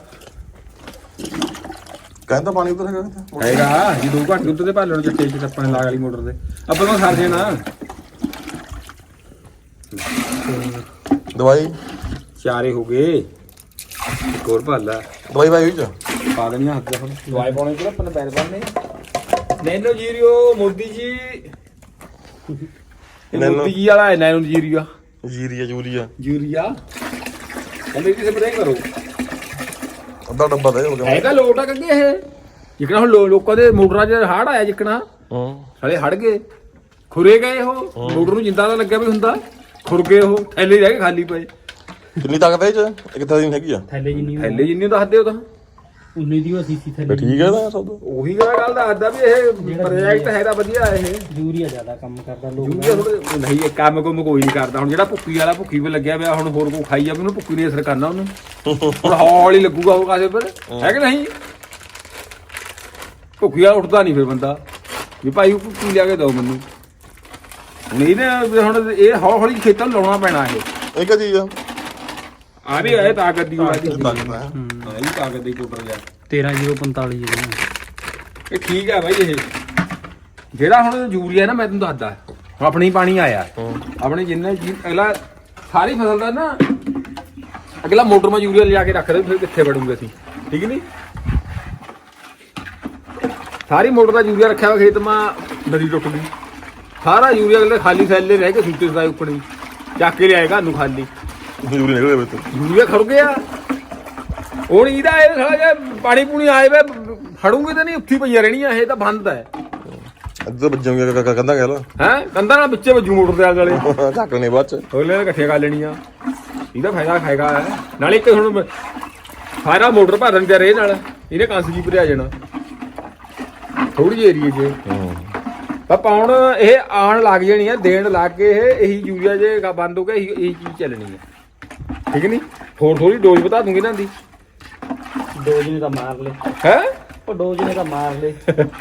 ਕਹਿੰਦਾ ਪਾਣੀ ਉਧਰ ਹੈਗਾ ਕਿਤੇ ਹੈਗਾ ਜੀ 2 ਘੰਟੇ ਉੱਤੇ ਭਰ ਲੈਣ ਚੱਟੇ ਚ ਆਪਾਂ ਨੇ ਲਾਗ ਵਾਲੀ ਮੋਟਰ ਤੇ ਆਪਾਂ ਨੂੰ ਸਰ ਦੇਣਾ ਦਵਾਈ ਚਾਰੇ ਹੋ ਗਏ ਇੱਕ ਹੋਰ ਭਰ ਲੈ ਦਵਾਈ ਭਾਈ ਵਿੱਚ ਪਾ ਦੇਣੀਆਂ ਹੱਥ ਹੁਣ ਦਵਾਈ ਪਾਉਣੀ ਕਿਹੜਾ ਆਪਾਂ ਨੇ ਪੈਰ ਬੰਨੇ ਨੈਨੋ ਜੀਰੀਓ ਮੋਦੀ ਜੀ ਨੈਨੋ ਜੀ ਵਾਲਾ ਹੈ ਨੈਨੋ ਜੀਰੀਆ ਯੂਰੀਆ ਯੂਰੀਆ ਕਹਿੰਦੇ ਕਿਸੇ ਸਪਰੇਅ ਕਰੋ ਅੱਧਾ ਡੱਬਾ ਦੇ ਹੋ ਗਿਆ ਹੈਗਾ ਲੋਟ ਆ ਕੰਗੇ ਇਹ ਜਿਕਣਾ ਹੁਣ ਲੋਕਾਂ ਦੇ ਮੋਟਰਾਂ 'ਚ ਹੜ ਆਇਆ ਜਿਕਣਾ ਸਾਲੇ ਹੜ ਗਏ ਖੁਰੇ ਗਏ ਉਹ ਮੋਟਰ ਨੂੰ ਜਿੰਦਾ ਤਾਂ ਲੱਗਿਆ ਵੀ ਹੁੰਦਾ ਖੁਰ ਗਏ ਉਹ ਥੈਲੇ ਰਹਿ ਗਏ ਖਾਲੀ ਪਏ ਕਿੰਨੀ ਤਾਕਤ ਹੈ ਇਹ ਚ ਇੱਕ ਤਾਂ ਦਿਨ ਹੈਗੀ ਆ ਥੈਲੇ ਜਿੰਨੀ ਥੈਲੇ ਜਿੰਨੀ ਦੱਸਦੇ ਉਹ ਤਾਂ ਉਨੀ ਦੀ ਉਹ ਸੀਸੀ ਫਿਰ ਥੈਲੇ ਠੀਕ ਹੈ ਨਾ ਸਭ ਉਹੀ ਗੱਲ ਦੱਸਦਾ ਵੀ ਇਹ ਪ੍ਰੋਜੈਕਟ ਹੈਗਾ ਵਧੀਆ ਇਹ ਯੂਰੀਆ ਜ਼ਿਆਦਾ ਕੰਮ ਕਰਦਾ ਲੋਕ ਯੂਰੀਆ ਥੋੜ੍ਹਾ ਨਹੀਂ ਇਹ ਕੰਮ ਕੋਈ ਨਹੀਂ ਕਰਦਾ ਹੁਣ ਜਿਹੜਾ ਭੁੱਕੀ ਵਾਲਾ ਭੁੱਕੀ ਵੀ ਲੱਗਿਆ ਪਿਆ ਹੁਣ ਹੋਰ ਕੋ ਖਾਈ ਜਾਵੇ ਉਹਨੂੰ ਭੁੱਕੀ ਨੇ ਅਸਰ ਕਰਨਾ ਉਹਨੂੰ ਹੁਣ ਹੌਲੀ ਲੱਗੂਗਾ ਉਹ ਕਾਸੇ ਪਰ ਹੈ ਕਿ ਨਹੀਂ ਭੁੱਕੀ ਵਾਲਾ ਉੱਠਦਾ ਨਹੀਂ ਫਿਰ ਬੰਦਾ ਵੀ ਭਾਈ ਉਹ ਭੁੱਕੀ ਲਿਆ ਕੇ ਦਿਓ ਮੈਨੂੰ ਹੁਣ ਇਹਨੇ ਹੁਣ ਇਹ ਹੌਲੀ ਖੇਤਾਂ ਨੂੰ ਲਾਉਣਾ ਪੈਣਾ ਇਹ ਕੀ ਚੀਜ਼ ਆ ਆ ਵੀ ਹੈ ਤਾਕਤ ਦੀ ਤਾਕਤ ਹੈ ਹਾਂ ਇਹ ਤਾਕਤ ਦੀ ਕੋਟਰ ਜਾ 13045 ਜਿਹਦੇ ਇਹ ਠੀਕ ਹੈ ਬਾਈ ਇਹ ਜਿਹੜਾ ਹੁਣ ਯੂਰੀਆ ਨਾ ਮੈਂ ਤੈਨੂੰ ਦੱਸਦਾ ਹੁਣ ਆਪਣੀ ਪਾਣੀ ਆਇਆ ਆਪਣੇ ਜਿੰਨੇ ਅਗਲਾ ਸਾਰੀ ਫਸਲ ਦਾ ਨਾ ਅਗਲਾ ਮੋਟਰ ਮਾ ਯੂਰੀਆ ਲਿਜਾ ਕੇ ਰੱਖ ਦੇ ਫਿਰ ਕਿੱਥੇ ਵੜੂਗੇ ਅਸੀਂ ਠੀਕ ਨਹੀਂ ਸਾਰੀ ਮੋਟਰ ਦਾ ਯੂਰੀਆ ਰੱਖਿਆ ਵਾ ਖੇਤ ਮਾ ਨਦੀ ਟੁੱਟ ਗਈ ਸਾਰਾ ਯੂਰੀਆ ਅਗਲੇ ਖਾਲੀ ਥੈਲੇ ਰਹਿ ਕੇ ਸੂਟੇ ਸਾਈ ਉੱਪੜੀ ਚੱਕ ਕੇ ਲਿਆਏਗਾ ਨੂੰ ਖਾਲੀ ਯੂਰੀਆ ਨਿਕਲ ਗਿਆ ਵਿੱਚ ਯੂਰੀਆ ਖੜ ਗਿਆ ਹੁਣ ਇਹਦਾ ਇਹ ਸਾਲਾ ਜੇ ਪਾਣੀ ਪੂਣੀ ਆਏ ਵੇ ਫੜੂਗੇ ਤਾਂ ਨਹੀਂ ਉੱਥੀ ਪਈਆਂ ਰਹਿਣੀਆਂ ਇਹ ਤਾਂ ਬੰਦ ਹੈ ਅੱਧਾ ਵੱਜੂਗਾ ਕੰਦਾ ਕਹਿ ਲੋ ਹੈ ਕੰਧਾਂ ਨਾਲ ਵਿੱਚੇ ਵੱਜੂ ਮੋਟਰ ਦੇ ਆਲੇ ਝਾਕਣੇ ਬਾਅਦ ਚ ਅਗਲੇ ਨੇ ਇਕੱਠੀਆਂ ਕਰ ਲੈਣੀਆਂ ਇਹਦਾ ਫਾਇਦਾ ਖਾਏਗਾ ਨਾਲੇ ਇੱਕ ਹੁਣ ਸਾਰਾ ਮੋਟਰ ਭਰ ਦਿੰਦੇ ਰੇ ਨਾਲ ਇਹਨੇ ਕੰਸ ਜੀ ਭਰਿਆ ਜਾਣਾ ਥੋੜੀ ਜਿਹੀ ਏਰੀਏ 'ਚ ਪਰ ਪਾਉਣ ਇਹ ਆਣ ਲੱਗ ਜਾਣੀ ਆ ਦੇਣ ਲੱਗ ਕੇ ਇਹੀ ਯੂਰੀਆ ਜੇ ਬੰਦ ਹੋ ਗਿਆ ਇਹੀ ਚੀਜ਼ ਚੱਲਣੀ ਹੈ ਠੀਕ ਨਹੀਂ ਹੋਰ ਥੋੜੀ ਡੋਜ਼ ਵਧਾ ਦੂੰਗੀ ਇਹਨਾਂ ਦੀ ਡੋਜ ਨੇ ਤਾਂ ਮਾਰ ਲੇ ਹੈ ਉਹ ਡੋਜ ਨੇ ਤਾਂ ਮਾਰ ਲੇ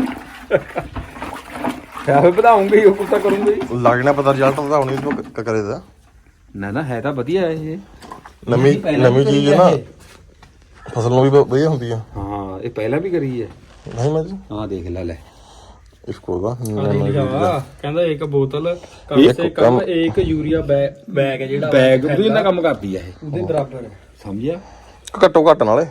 ਫਿਰ ਵਧਾਉਂਗੇ ਉਹ ਕੁੱਤਾ ਕਰੂੰਗੇ ਲੱਗਣਾ ਪਤਾ ਰਿਜ਼ਲਟ ਉਹਦਾ ਹੁਣ ਇਸ ਕਰੇ ਦਾ ਨਾ ਹੈ ਤਾਂ ਵਧੀਆ ਇਹ ਨਵੀਂ ਚੀਜ਼ ਹੈ ਨਾ ਫਸਲ ਨੂੰ ਵੀ ਵਧੀਆ ਹੁੰਦੀ ਆ ਹਾਂ ਇਹ ਪਹਿਲਾਂ ਵੀ ਕਰੀ ਹੈ ਨਹੀਂ ਮੈਂ ਜੀ ਹਾਂ ਦੇਖ ਲੈ इसको ਦਾ ਕਹਿੰਦਾ ਇੱਕ ਬੋਤਲ ਕਮ ਸੇ ਕਮ ਇੱਕ ਯੂਰੀਆ ਬੈਗ ਹੈ ਜਿਹੜਾ ਬੈਗ ਵੀ ਇਹਨਾਂ ਕੰਮ ਕਰਦੀ ਹੈ ਇਹ ਉਹਦੇ ਬਰਾਬਰ ਹੈ ਸਮਝਿਆ ਘੱਟੋ ਘੱਟ ਨਾਲੇ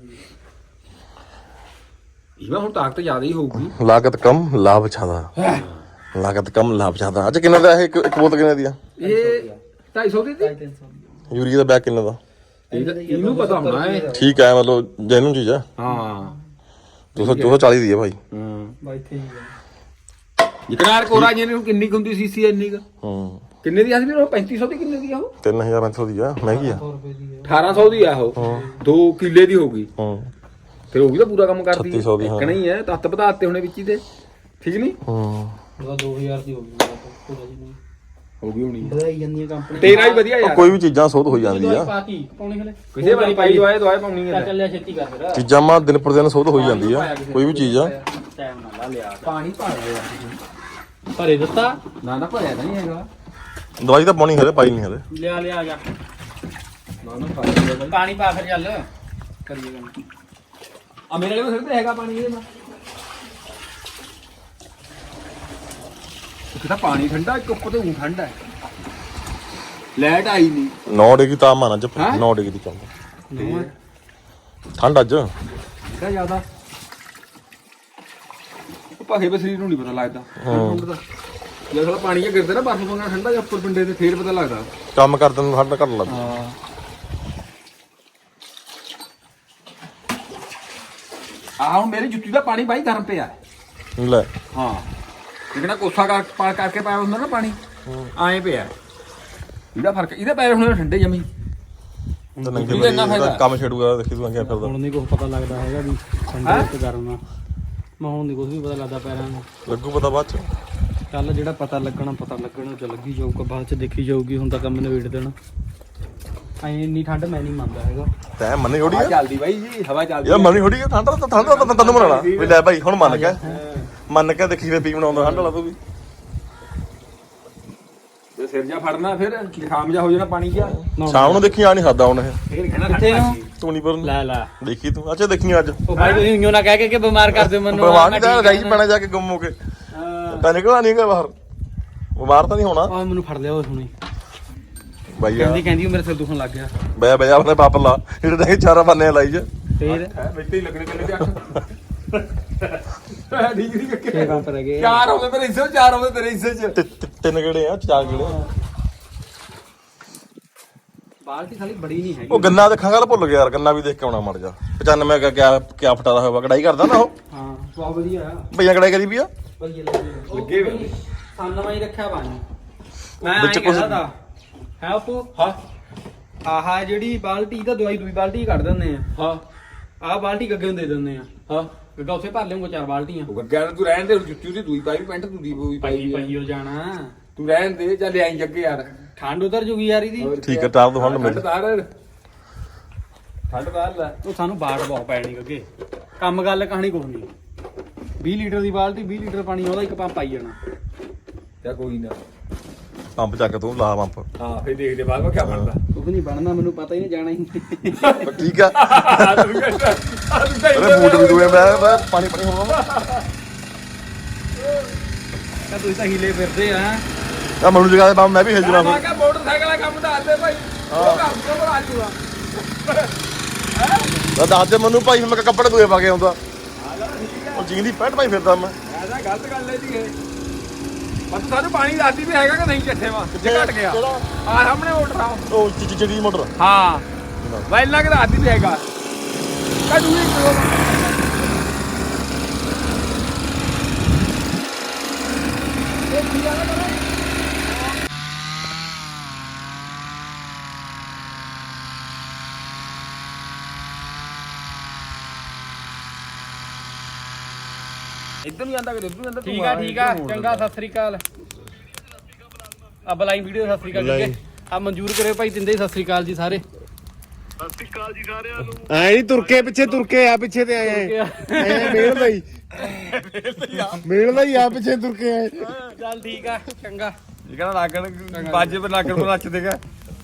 ਇਹਦਾ ਹੁਣ ਤਾਕਤ ਜ਼ਿਆਦਾ ਹੀ ਹੋਊਗੀ ਲਾਗਤ ਕਮ ਲਾਭ ਜ਼ਿਆਦਾ ਲਾਗਤ ਕਮ ਲਾਭ ਜ਼ਿਆਦਾ ਅੱਜ ਕਿੰਨੇ ਦਾ ਇਹ ਇੱਕ ਬੋਤਲ ਕਿੰਨੇ ਦੀ ਆ ਇਹ 250 ਦੀ 300 ਯੂਰੀਆ ਦਾ ਬੈਗ ਕਿੰਨੇ ਦਾ ਇਹਨੂੰ ਪਤਾ ਹੋਣਾ ਹੈ ਠੀਕ ਹੈ ਮਤਲਬ ਜੈਨੂਨ ਚੀਜ਼ ਆ ਹਾਂ 240 ਦੀ ਹੈ ਭਾਈ ਬਾਈ ਇੱਥੇ ਹੀ ਜਿਕਰਾਰ ਕੋਰਾ ਜੀ ਨੂੰ ਕਿੰਨੀ ਹੁੰਦੀ ਸੀਸੀ ਇੰਨੀ ਕ ਹੂੰ ਕਿੰਨੇ ਦੀ ਆ ਸੀ ਉਹ 3500 ਦੀ ਕਿੰਨੇ ਦੀ ਆ ਉਹ 3500 ਦੀ ਆ ਮਹਿੰਗੀ ਆ 100 ਰੁਪਏ ਦੀ ਹੈ 1800 ਦੀ ਆ ਉਹ 2 ਕਿੱਲੇ ਦੀ ਹੋ ਗਈ ਹੂੰ ਫਿਰ ਉਹ ਵੀ ਤਾਂ ਪੂਰਾ ਕੰਮ ਕਰਦੀ 3600 ਦੀ, ਹਾਂ। ਇੱਕ ਨਹੀਂ ਹੈ ਤੱਤ ਵਧਾਤੇ ਹੁਣੇ ਵਿੱਚ ਹੀ ਤੇ ਠੀਕ ਨਹੀਂ ਹੂੰ ਉਹਦਾ 2000 ਦੀ ਹੋ ਗਈ ਥੋੜਾ ਜਿਹਾ ਹੋ ਗਈ ਹੋਣੀ ਵਧਾਈ ਜਾਂਦੀ ਹੈ ਕੰਪਨੀ ਤੇਰਾ ਹੀ ਵਧੀਆ ਯਾਰ ਕੋਈ ਵੀ ਚੀਜ਼ਾਂ ਸੋਧ ਹੋਈ ਜਾਂਦੀ ਆ ਪਾਤੀ ਪਾਉਣੀ ਹਲੇ ਕਿਸੇ ਵਾਰੀ ਪਾਈ ਦਵਾਈ ਪਾਉਣੀ ਹੈ ਚੱਲਿਆ ਛੇਤੀ ਕਰ ਫਿਰ ਚੀਜ਼ਾਂ ਮਾ ਦਿਨ ਪਰ ਦਿਨ ਸੋਧ ਹੋਈ ਜਾਂਦੀ ਆ ਕੋਈ ਵੀ ਚੀਜ਼ ਆ ਟਾਈਮ ਨਾਲ ਲਾ ਲਿਆ ਪਾਣੀ ਪਾ ਦੇ ਭਰੇ ਦਿੱਤਾ ਨਾ ਭਰਿਆ ਤਾਂ ਨਹੀਂ ਹੈਗਾ ਦਵਾਈ ਤਾਂ ਪਾਉਣੀ ਹਲੇ ਪਾਈ ਨਹੀਂ ਹਲੇ ਲਿਆ ਆ ਜਾ ਨਾ ਪਾ ਦੇ ਬਾਈ ਪਾਣੀ ਪਾ ਫਿਰ ਚੱਲ ਕਰੀਏ ਗੱਲ ਆ ਮੇਰੇ ਕੋਲ ਸਿਰ ਤੇ ਹੈਗਾ ਪਾਣੀ ਇਹਦੇ ਨਾਲ ਇੱਕ ਤਾਂ ਪਾਣੀ ਠੰਡਾ ਇੱਕ ਉੱਪਰ ਤੇ ਊਂ ਠੰਡਾ ਹੈ ਲਾਈਟ ਆਈ ਨਹੀਂ 9 ਡਿਗਰੀ ਤਾਪਮਾਨ ਅੱਜ 9 ਡਿਗਰੀ ਚੱਲਦਾ ਠੰਡ ਅੱਜ ਕਿਹੜਾ ਜ਼ਿਆਦਾ ਭਾਗੇ ਬੇ ਸਰੀਰ ਨੂੰ ਨਹੀਂ ਪਤਾ ਲੱਗਦਾ ਠੰਡ ਦਾ ਜੇ ਸਾਲਾ ਪਾਣੀ ਜਿਹਾ ਗਿਰਦਾ ਨਾ ਬਰਫ਼ ਵਾਂਗਾ ਠੰਡਾ ਜਿਹਾ ਉੱਪਰ ਪਿੰਡੇ ਤੇ ਫੇਰ ਪਤਾ ਲੱਗਦਾ ਕੰਮ ਕਰਦੇ ਨੂੰ ਠੰਡ ਘੱਟ ਲੱਗਦੀ ਹਾਂ ਆਹ ਹੁਣ ਮੇਰੀ ਜੁੱਤੀ ਦਾ ਪਾਣੀ ਬਾਈ ਗਰਮ ਪਿਆ ਲੈ ਹਾਂ ਜਿਹੜਾ ਕੋਸਾ ਕਰਕੇ ਪਾਇਆ ਹੁੰਦਾ ਨਾ ਪਾਣੀ ਐਂ ਪਿਆ ਇਹਦਾ ਫਰਕ ਇਹਦੇ ਪੈਰ ਹੁਣ ਠੰਡੇ ਜਮੀ ਤਾਂ ਨੰਗੇ ਬੰਦੇ ਕੰਮ ਛੇੜੂਗਾ ਦੇਖੀ ਤੂੰ ਕਿਆ ਫਿਰਦਾ ਹੁਣ ਨਹੀਂ ਕੁਝ ਪਤਾ ਲੱਗਦਾ ਹੈਗਾ ਵੀ ਠੰਡੇ ਤੇ ਗਰਮ ਆ ਮੈਂ ਹੁਣ ਨਹੀਂ ਕੁਝ ਵੀ ਪਤਾ ਲੱਗਦਾ ਪੈਰਾਂ ਨੂੰ ਲੱਗੂ ਪਤਾ ਬਾਅਦ ਚ ਕੱਲ ਜਿਹੜਾ ਪਤਾ ਲੱਗਣਾ ਚ ਲੱਗੀ ਜਾਊਗਾ ਬਾਅਦ ਚ ਦੇਖੀ ਜਾਊਗੀ ਹੁਣ ਤਾਂ ਕੰਮ ਨਵੇੜ ਦੇਣਾ ਐ ਇੰਨੀ ਠੰਡ ਮੈਂ ਨਹੀਂ ਮੰਨਦਾ ਹੈਗਾ ਤੈਂ ਮੰਨੀ ਹੋੜੀ ਹਵਾ ਆ ਚੱਲਦੀ ਬਾਈ ਜੀ ਹਵਾ ਚੱਲਦੀ ਯਾਰ ਮੰਨੀ ਹੋੜੀ ਆ ਠੰਡ ਤਾਂ ਤੈਨੂੰ ਮਨਾਣਾ ਵੀ ਲੈ ਭਾਈ ਹੁਣ ਮੰਨ ਕੇ ਦੇਖੀ ਵੇ ਪੀ ਬਣਾਉਂਦਾ ਠੰਡ ਵਾਲਾ ਤੂੰ ਵੀ ਜੇ ਸਿਰ ਜਾ ਫੜਨਾ ਫਿਰ ਜ਼ੁਕਾਮ ਜਾ ਹੋ ਜਾਣਾ ਪਾਣੀ ਜਿਹਾ ਸ਼ਾਮ ਨੂੰ ਦੇਖੀ ਆ ਨਹੀਂ ਖਾਦਾ ਹੁਣ ਇਹ ਫੇਰ ਕਹਿਣਾ ਕਿੱਥੇ ਨੂੰ? ਤੂੰ ਨਹੀਂ ਪਰ ਲੈ ਲੈ ਦੇਖੀ ਤੂੰ ਅੱਛਾ ਦੇਖੀ ਅੱਜ ਉਹ ਭਾਈ ਤੁਸੀਂ ਇੰਗੋ ਨਾ ਕਹਿ ਕੇ ਬਿਮਾਰ ਕਰ ਦਿਓ ਮੈਨੂੰ ਬਿਮਾਰ ਨਹੀਂ ਤਾਂ ਗਾਈ ਪੈਣਾ ਜਾ ਕੇ ਗੁੰਮ ਹੋ ਕੇ ਤਾਂ ਨਿਕਲਣਾ ਨਹੀਂ ਹੈਗਾ ਬਾਹਰ ਬਿਮਾਰ ਤਾਂ ਨਹੀਂ ਹੋਣਾ ਆ ਮੈਨੂੰ ਫੜ ਲਿਆ ਉਹ ਹੁਣੇ ਬਾਈ ਆ ਕਹਿੰਦੀ ਮੇਰੇ ਸਿਰ ਦੁਖਣ ਲੱਗ ਗਿਆ ਬੈ ਆਪਣੇ ਪਾਪ ਲਾ ਜਿਹੜੇ ਤਾਂ ਚਾਰਾ ਬੰਨੇ ਲਾਈ ਜਾ ਫੇਰ ਮਿੱਟੀ ਹੀ ਲੱਗਣੇ ਕਿੰਨੇ ਤੇ 8 ਠੀਕ ਨਹੀਂ ਛੇ ਕੱਕੇ ਕੰਮ ਰਹਿ ਗਏ 4 ਹੋ ਗਏ ਮੇਰੇ ਹਿੱਸੇ 4 ਹੋ ਗਏ ਤੇਰੇ ਹਿੱਸੇ ਚ ਤਿੰਨ ਗੇੜੇ ਆ ਚਾਰ ਗੇੜੇ ਬਾਲਟੀ ਖਾਲੀ ਬੜੀ ਨਹੀਂ ਹੈਗੀ ਉਹ ਗੰਨਾ ਦੇਖਾਂ ਗੱਲ ਭੁੱਲ ਗਿਆ ਯਾਰ ਗੰਨਾ ਵੀ ਦੇਖ ਕੇ ਆਉਣਾ ਮੜ ਜਾ 95 ਕਾ ਕਿਆ ਫਟਾਦਾ ਹੋਇਆ ਕਢਾਈ ਕਰਦਾ ਨਾ ਉਹ ਹਾਂ ਬਹੁਤ ਵਧੀਆ ਆ ਭਈਆ ਕਢਾਈ ਕਰੀ ਵੀ ਆ ਵਧੀਆ ਲੱਗੇ ਵੇ ਸਾਨਵਾ ਹੀ ਰੱਖਿਆ ਬਾਣੀ ਮੈਂ ਵਿੱਚ ਵਿੱਚ ਕੁਛ- ਕੁਝ ਦਾ ਹੈ ਆਪੂ ਹਾਂ ਆਹਾ ਜਿਹੜੀ ਬਾਲਟੀ ਦਾ ਦਵਾਈ ਦੂਈ ਬਾਲਟੀ ਕੱਢ ਦਿੰਦੇ ਆ ਹਾਂ ਆਹ ਬਾਲਟੀ ਗੱਗੇ ਨੂੰ ਦੇ ਦਿੰਦੇ ਆ ਹਾਂ ਗੱਗਾ ਉੱਥੇ ਭਰ ਲਿਆਉਂਗਾ 4 ਬਾਲਟੀਆਂ ਉਹ ਗੱਗਿਆ ਤੂੰ ਰਹਿਣ ਦੇ ਜੁੱਤੀ ਉਹਦੀ ਦੂਈ ਪਾਈ ਪੈਂਟ ਤੂੰ ਦੀ ਵੀ ਪਾਈ ਪਈ ਹੋ ਜਾਣਾ ਤੂੰ ਰਹਿਣ ਦੇ ਜਾਂ ਲਿਆਈ ਜੱਗੇ ਯਾਰ ਠੰਡ ਉਤਰ ਜੂਗੀ ਯਾਰ ਇਹਦੀ ਠੀਕ ਹੈ ਟਾਪ ਤੋਂ ਹੰਡ ਮਿਲ ਠੰਡ ਤਾਰ ਲੈ ਉਹ ਸਾਨੂੰ ਬਾੜ ਬਹੁਤ ਪੈਣੀ ਗੱਗੇ ਕੰਮ ਗੱਲ ਕਹਾਣੀ ਕੁਛ ਨਹੀਂ 20 ਲੀਟਰ ਦੀ ਬਾਲਟੀ 20 ਲੀਟਰ ਪਾਣੀ ਉਹਦਾ ਇੱਕ ਪੰਪ ਪਾਈ ਜਾਣਾ ਜਾਂ ਕੋਈ ਨਾ ਪੰਪ ਚੱਕ ਤੂੰ ਲਾ ਪੰਪ ਹਾਂ ਫੇਰ ਦੇਖਦੇ ਬਾਅਦ ਵਿੱਚ ਕੀ ਬਣਦਾ ਕੁਝ ਨਹੀਂ ਬਣਨਾ ਮੈਨੂੰ ਪਤਾ ਹੀ ਨਹੀਂ ਜਾਣਾ ਹੀ ਠੀਕ ਆ ਅਰੇ ਬੂਟ ਵੀ ਦੂਏ ਮੈਂ ਪਾਣੀ ਹੋਣਾ ਤਾਂ ਤੁਸੀਂ ਤਾਂ ਹੀਲੇ ਫਿਰਦੇ ਆ ਆ ਮੈਨੂੰ ਜਗਾ ਦੇ ਬਾਪ ਮੈਂ ਵੀ ਹਿਲ ਜਣਾ ਮੈਂ ਕਿਹਾ ਮੋਟਰਸਾਈਕਲ ਦਾ ਕੰਮ ਦੱਸ ਦੇ ਭਾਈ ਉਹ ਕੰਮ ਤੋਂ ਬਣਾ ਜੂਗਾ ਤਾਂ ਦੱਸ ਦੇ ਮੈਨੂੰ ਭਾਈ ਮੈਂ ਕੱਪੜੇ ਦੂਏ ਪਾ ਕੇ ਆਉਂਦਾ ਉਹ ਜੀਂਦੀ ਪੈਂਟ ਪਾਈ ਫਿਰਦਾ ਮੈਂ ਐਸਾ ਗਲਤ ਗੱਲ ਹੈ ਜੀ ਇਹ ਪਰ ਸਾਨੂੰ ਪਾਣੀ ਦੱਸਦੀ ਵੀ ਹੈਗਾ ਕਿ ਨਹੀਂ ਚੱਠੇ ਵਾ ਕਿੱਥੇ ਘਟ ਗਿਆ ਆ ਸਾਹਮਣੇ ਮੋਟਰ ਆ ਉਹ ਚਿੜੀ ਮੋਟਰ ਹਾਂ ਵੈਲਾਂ ਕਿ ਦੱਸਦੀ ਵੀ ਹੈਗਾ ਕਦੂ ਹੀ ਇੱਧਰ ਨਹੀਂ ਜਾਂਦਾ ਕਿ ਇੱਧਰ ਜਾਂਦਾ ਠੀਕ ਆ ਚੰਗਾ ਸਤਿ ਸ੍ਰੀ ਅਕਾਲ ਆ ਬਲਾਈ ਵੀਡੀਓ ਸਤਿ ਸ੍ਰੀ ਅਕਾਲ ਜੀ ਆ ਮਨਜ਼ੂਰ ਕਰਿਓ ਭਾਈ ਦਿੰਦੇ ਸਤਿ ਸ੍ਰੀ ਅਕਾਲ ਜੀ ਸਾਰੇ ਸਤਿ ਸ਼੍ਰੀ ਅਕਾਲ ਜੀ ਸਾਰਿਆਂ ਨੂੰ ਐ ਨਹੀਂ ਤੁਰਕੇ ਪਿੱਛੇ ਆ ਪਿੱਛੇ ਤੇ ਆਏ ਐ ਮੇਲਦਾ ਹੀ ਆ ਪਿੱਛੇ ਤੁਰਕੇ ਆਏ ਚੱਲ ਠੀਕ ਆ ਚੰਗਾ ਇਹ ਕਹਿੰਦਾ ਨਾਗਣ ਬਾਜੇ ਪਰ ਨਾਗਣ ਨੂੰ ਨੱਚ ਦੇਗਾ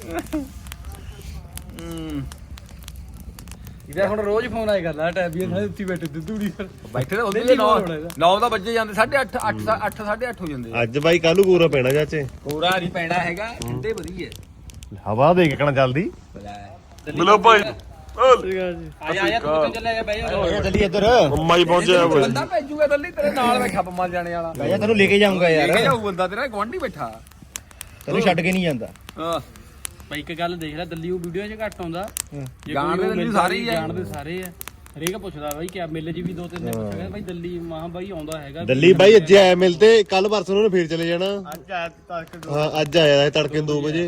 ਇਹਦਾ ਹੁਣ ਰੋਜ਼ ਫੋਨ ਆਏ ਕਰਦਾ ਟੈਬੀਆਂ ਸਾਰੇ ਉੱਤੀ ਬੈਠੇ ਦੁੱਧੂੜੀ ਫਿਰ ਬੈਠੇ ਤਾਂ ਉਹਦੇ ਦਿੱਲੀ ਕੋਲ ਹੋਣਾ ਇਹਦਾ। 9 ਦਾ ਵੱਜੇ ਜਾਂਦੇ 8:30 8 8:30 ਹੋ ਜਾਂਦੇ ਅੱਜ ਬਾਈ ਕੱਲੂ ਗੋਰਾ ਪੈਣਾ ਚਾਚੇ ਕੋਰਾ ਨਹੀਂ ਪੈਣਾ ਹੈਗਾ ਠੰਡੇ ਵਧੀਆ ਹਵਾ ਦੇ ਕੇ ਕਣਾ ਜਲਦੀ ਮਿਲੋ ਭਾਈ ਆ ਜਾ ਤੂੰ ਚੱਲੇ ਜਾ ਬਹਿ ਜਾ ਜਲਦੀ ਇੱਧਰ ਮੰਮਾ ਹੀ ਪਹੁੰਚਿਆ ਓਏ ਬੰਦਾ ਭੇਜੂਗਾ ਦੱਲੀ ਤੇਰੇ ਨਾਲ ਬੈਠਾ ਪੰਮਾ ਜਾਣੇ ਵਾਲਾ ਭਈਆ ਤੈਨੂੰ ਲੈ ਕੇ ਜਾਊਂਗਾ ਲੈ ਕੇ ਜਾਊ ਬੰਦਾ ਤੇਰਾ ਗਵਾਂਢੀ ਬੈਠਾ ਤੈਨੂੰ ਛੱਡ ਕੇ ਨਹੀਂ ਜਾਂਦਾ ਹਾਂ ਭਾਈ ਇੱਕ ਗੱਲ ਦੇਖ ਲੈ ਦਿੱਲੀ ਉਹ ਵੀਡੀਓ 'ਚ ਘੱਟ ਆਉਂਦਾ ਜੇ ਜਾਣਦੇ ਕੋਈ ਉਹ ਦਿੱਲੀ ਮਿਲਦਾ ਸਾਰੇ ਹੀ ਆ। ਜਾਣਦੇ ਸਾਰੇ ਆ ਹਰੇਕ ਪੁੱਛਦਾ ਬਾਈ ਕਿ ਮੇਲੇ 'ਚ ਵੀ 2-3 ਦਿਨ ਪੁੱਛਦਾ ਬਾਈ ਦਿੱਲੀ ਮਾਂ ਬਾਈ ਆਉਂਦਾ ਹੈਗਾ ਦਿੱਲੀ ਬਾਈ ਅੱਜ ਆਇਆ ਮਿਲਤੇ ਕੱਲ ਪਰਸੋਂ ਨੂੰ ਫੇਰ ਚਲੇ ਜਾਣਾ ਹਾਂ ਅੱਜ ਆਇਆ ਤੜਕੇ 2 ਵਜੇ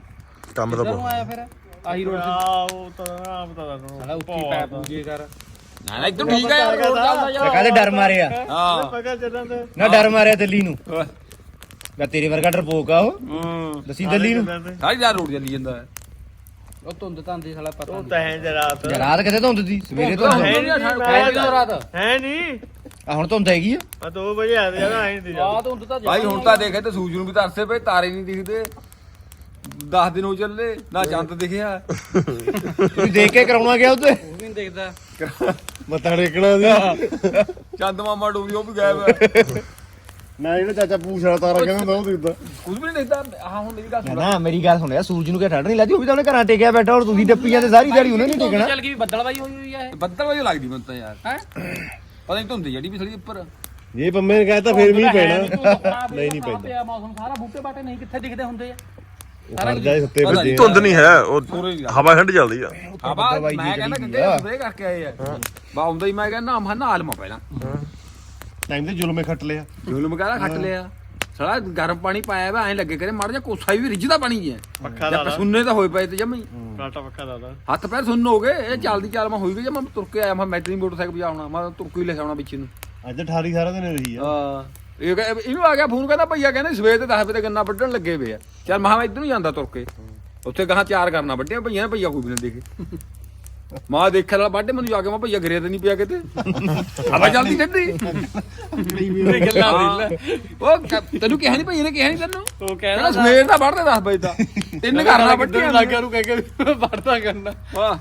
ਕੰਮ ਤਾਂ ਕਿੱਧਰੋਂ ਆਇਆ ਫਿਰ ਆਹੀ ਰੋਡ ਤੇ ਉਹ ਤਾਂ ਨਾ ਪਤਾ ਸਾਲਾ ਉੱਚੀ ਪੈ ਪੂਜੇ ਕਰ ਨਾ ਇਦੋਂ ਠੀਕ ਆ ਯਾਰ ਰੋਡ ਚੱਲਦਾ ਯਾਰ ਕਹਿੰਦੇ ਡਰ ਮਾਰਿਆ ਹਾਂ ਨਾ ਡਰ ਮਾਰਿਆ ਦਿੱਲੀ ਨੂੰ ਮੈਂ ਤੇਰੇ ਵਰਗਾ ਡਰਪੋਕ ਆ ਉਹ ਦੱਸੀ ਦਿੱਲੀ ਨੂੰ ਸਾਰੀ ਰਾਤ ਰੋਡ ਚੱਲੀ ਜਾਂਦਾ ਹੈ ਉਹ ਧੁੰਦ ਧਾਂਦੀ ਸਾਲਾ ਪਤਾ ਉਹ ਤਾਂ ਹੈ ਜਰਾਤ ਰਾਤ ਕਿਤੇ ਧੁੰਦ ਦੀ ਸਵੇਰੇ ਧੁੰਦ ਰਾਤ ਹੈ ਨਹੀਂ ਆ ਹੁਣ ਧੁੰਦ ਹੈਗੀ ਆ ਆ 2 ਵਜੇ ਆ ਯਾਰ ਆਏ ਨਹੀਂ ਆ ਧੁੰਦ ਤਾਂ ਭਾਈ ਹੁਣ ਤਾਂ ਦੇਖੇ ਤੇ ਸੂਰਜ ਨੂੰ ਵੀ ਤਰਸੇ ਪਏ ਤਾਰੇ ਨਹੀਂ ਦਿਖਦੇ 10 ਦਿਨ ਹੋ ਚੱਲੇ ਨਾ ਚੰਦ ਦਿਖਿਆ ਤੁਸੀਂ ਦੇਖ ਕੇ ਕਰਾਉਣਾ ਗਿਆ ਉੱਤੇ ਉਹ ਵੀ ਨਹੀਂ ਦੇਖਦਾ ਮੱਥਾ ਟੇਕਣਾ ਸੀ ਚੰਦ ਮਾਮਾ ਡੂਬੀ ਉਹ ਵੀ ਗਾਇਬ ਹੈ ਨਾ ਜਿਹੜਾ ਚਾਚਾ ਪੂਛ ਵਾਲਾ ਤਾਰਾ ਕਹਿੰਦਾ ਹੁੰਦਾ ਉਹ ਦਿਖਦਾ ਕੁਝ ਵੀ ਨਹੀਂ ਦਿਖਦਾ ਆਹ ਹੁਣ ਮੇਰੀ ਗੱਲ ਸੁਣ ਨਾ ਮੇਰੀ ਗੱਲ ਸੁਣਿਆ ਸੂਰਜ ਨੂੰ ਕਿਹਾ ਠੰਡ ਨਹੀਂ ਲੱਗਦੀ ਉਹ ਵੀ ਤਾਂ ਉਹਨੇ ਘਰਾਂ ਟੇਕਿਆ ਬੈਠਾ ਔਰ ਤੁਸੀਂ ਡੱਪੀ ਜਾਂਦੇ ਸਾਰੀ ਦਿਹਾੜੀ ਉਹਨੇ ਨਹੀਂ ਟੇਕਣਾ ਚੱਲ ਗਈ ਬੱਦਲਵਾਈ ਹੋਈ ਹੋਈ ਆ ਇਹ ਬੱਦਲ ਵਜੇ ਲੱਗਦੀ ਮੈਨੂੰ ਤਾਂ ਯਾਰ ਹੈ ਪਤਾ ਨਹੀਂ ਧੁੰਦ ਜਿਹੜੀ ਵੀ ਥੜੀ ਉੱਪਰ ਜੇ ਪੰਮੇ ਨੇ ਕਹਿਤਾ ਫੇਰ ਮੀਂਹ ਪੈਣਾ ਨਹੀਂ ਨਹੀਂ ਪੈਂਦਾ। ਪਿਆ ਮੌਸਮ ਸਾਰਾ ਬੂਟੇ ਬਾਟੇ ਨਹੀਂ ਕਿੱਥੇ ਦਿਖਦੇ ਹੁੰਦੇ ਆ ਖੜ ਜਾਏ ਸੁੱਤੇ ਵੱਜੇ ਧੁੰਦ ਨਹੀਂ ਹੈ ਉਹ ਹਵਾ ਠੰਡੀ ਚੱਲਦੀ ਆ ਹਵਾ ਮੈਂ ਕਹਿੰਦਾ ਕਿੱਥੇ ਸਪਰੇ ਕਰਕੇ ਆਏ ਆ ਬਾ ਆਉਂਦਾ ਹੀ ਮੈਂ ਕਹਿੰਦਾ ਨਾ ਨਾਲ ਮਾ ਪਹਿਲਾਂ ਟਾਈਮ ਤੇ ਜ਼ੁਲਮੇ ਖੱਟ ਲਿਆ ਜ਼ੁਲਮ ਕਹਦਾ ਖੱਟ ਲਿਆ ਸਾਲਾ ਗਰਮ ਪਾਣੀ ਪਾਇਆ ਵਾ ਐ ਲੱਗੇ ਕਰੇ ਮਾੜਾ ਜਿਹਾ ਕੋਸਾ ਵੀ ਰਿੱਝਦਾ ਪਾਣੀ ਹੈ ਪੱਖਾ ਲਾ ਲਾ ਸੁੰਨੇ ਤਾਂ ਹੋਏ ਪਏ ਤੇ ਜਮਈ ਕਾਟਾ ਪੱਖਾ ਲਾ ਲਾ ਹੱਥ ਪੈਰ ਸੁੰਨ ਹੋ ਗਏ ਇਹ ਚੱਲਦੀ ਚੱਲ ਮੈਂ ਹੋਈ ਗਈ ਜੇ ਮੈਂ ਤੁਰ ਕੇ ਆਇਆ ਮੈਂ ਮੈਟਰੀ ਮੋਟਰਸਾਈਕਲ ਵਜਾਉਣਾ ਮੈਂ ਤੁਰ ਕੇ ਹੀ ਲੈ ਆਉਣਾ ਪਿੱਛੇ ਨੂੰ ਅੱਜ 18 ਸਾਰਾ ਦਿਨ ਰਹੀ ਆ ਹਾਂ ਇਹਨੂੰ ਆ ਗਿਆ ਫੋਨ ਕਹਿੰਦਾ ਭਈਆ ਕਹਿੰਦੇ ਸਵੇਰ ਦੇ 10 ਵਜੇ ਤੇ ਗੰਨਾ ਵੱਢਣ ਲੱਗੇ ਪਏ ਆ ਚੱਲ ਮੈਂ ਇੱਧਰ ਨੂੰ ਜਾਂਦਾ ਤੁਰ ਕੇ ਉੱਥੇ ਗਾਹਾਂ 4 ਕਰਨਾ ਵੱਢਿਆ ਭਈਆ ਨੇ ਭਈਆ ਕੋਈ ਵੀ ਨਾ ਦੇਖੇ ਮਾਂ ਦੇਖਿਆ ਨਾਲ ਵੱਢੇ ਮੈਨੂੰ ਜਾ ਕੇ ਮੈਂ ਭਈਆ ਘਰੇ ਤੇ ਨਹੀਂ ਪਿਆ ਕਿਤੇ ਹਵਾ ਚੱਲਦੀ ਠੰਡੀ ਉਹ ਤੈਨੂੰ ਕਿਹਾ ਨਹੀਂ ਭਈਆ ਨੇ ਕਿਹਾ ਨਹੀਂ ਤੈਨੂੰ ਉਹ ਕਹਿੰਦਾ ਸਵੇਰ ਦਾ ਵੱਢਦੇ 10 ਵਜੇ ਦਾ ਤਿੰਨ ਕਰਨਾ ਵੱਢੀਆਂ ਲੱਗ ਗਿਆ ਨੂੰ ਕਹਿ ਕੇ ਵੜਦਾ ਕਰਨਾ ਵਾਹ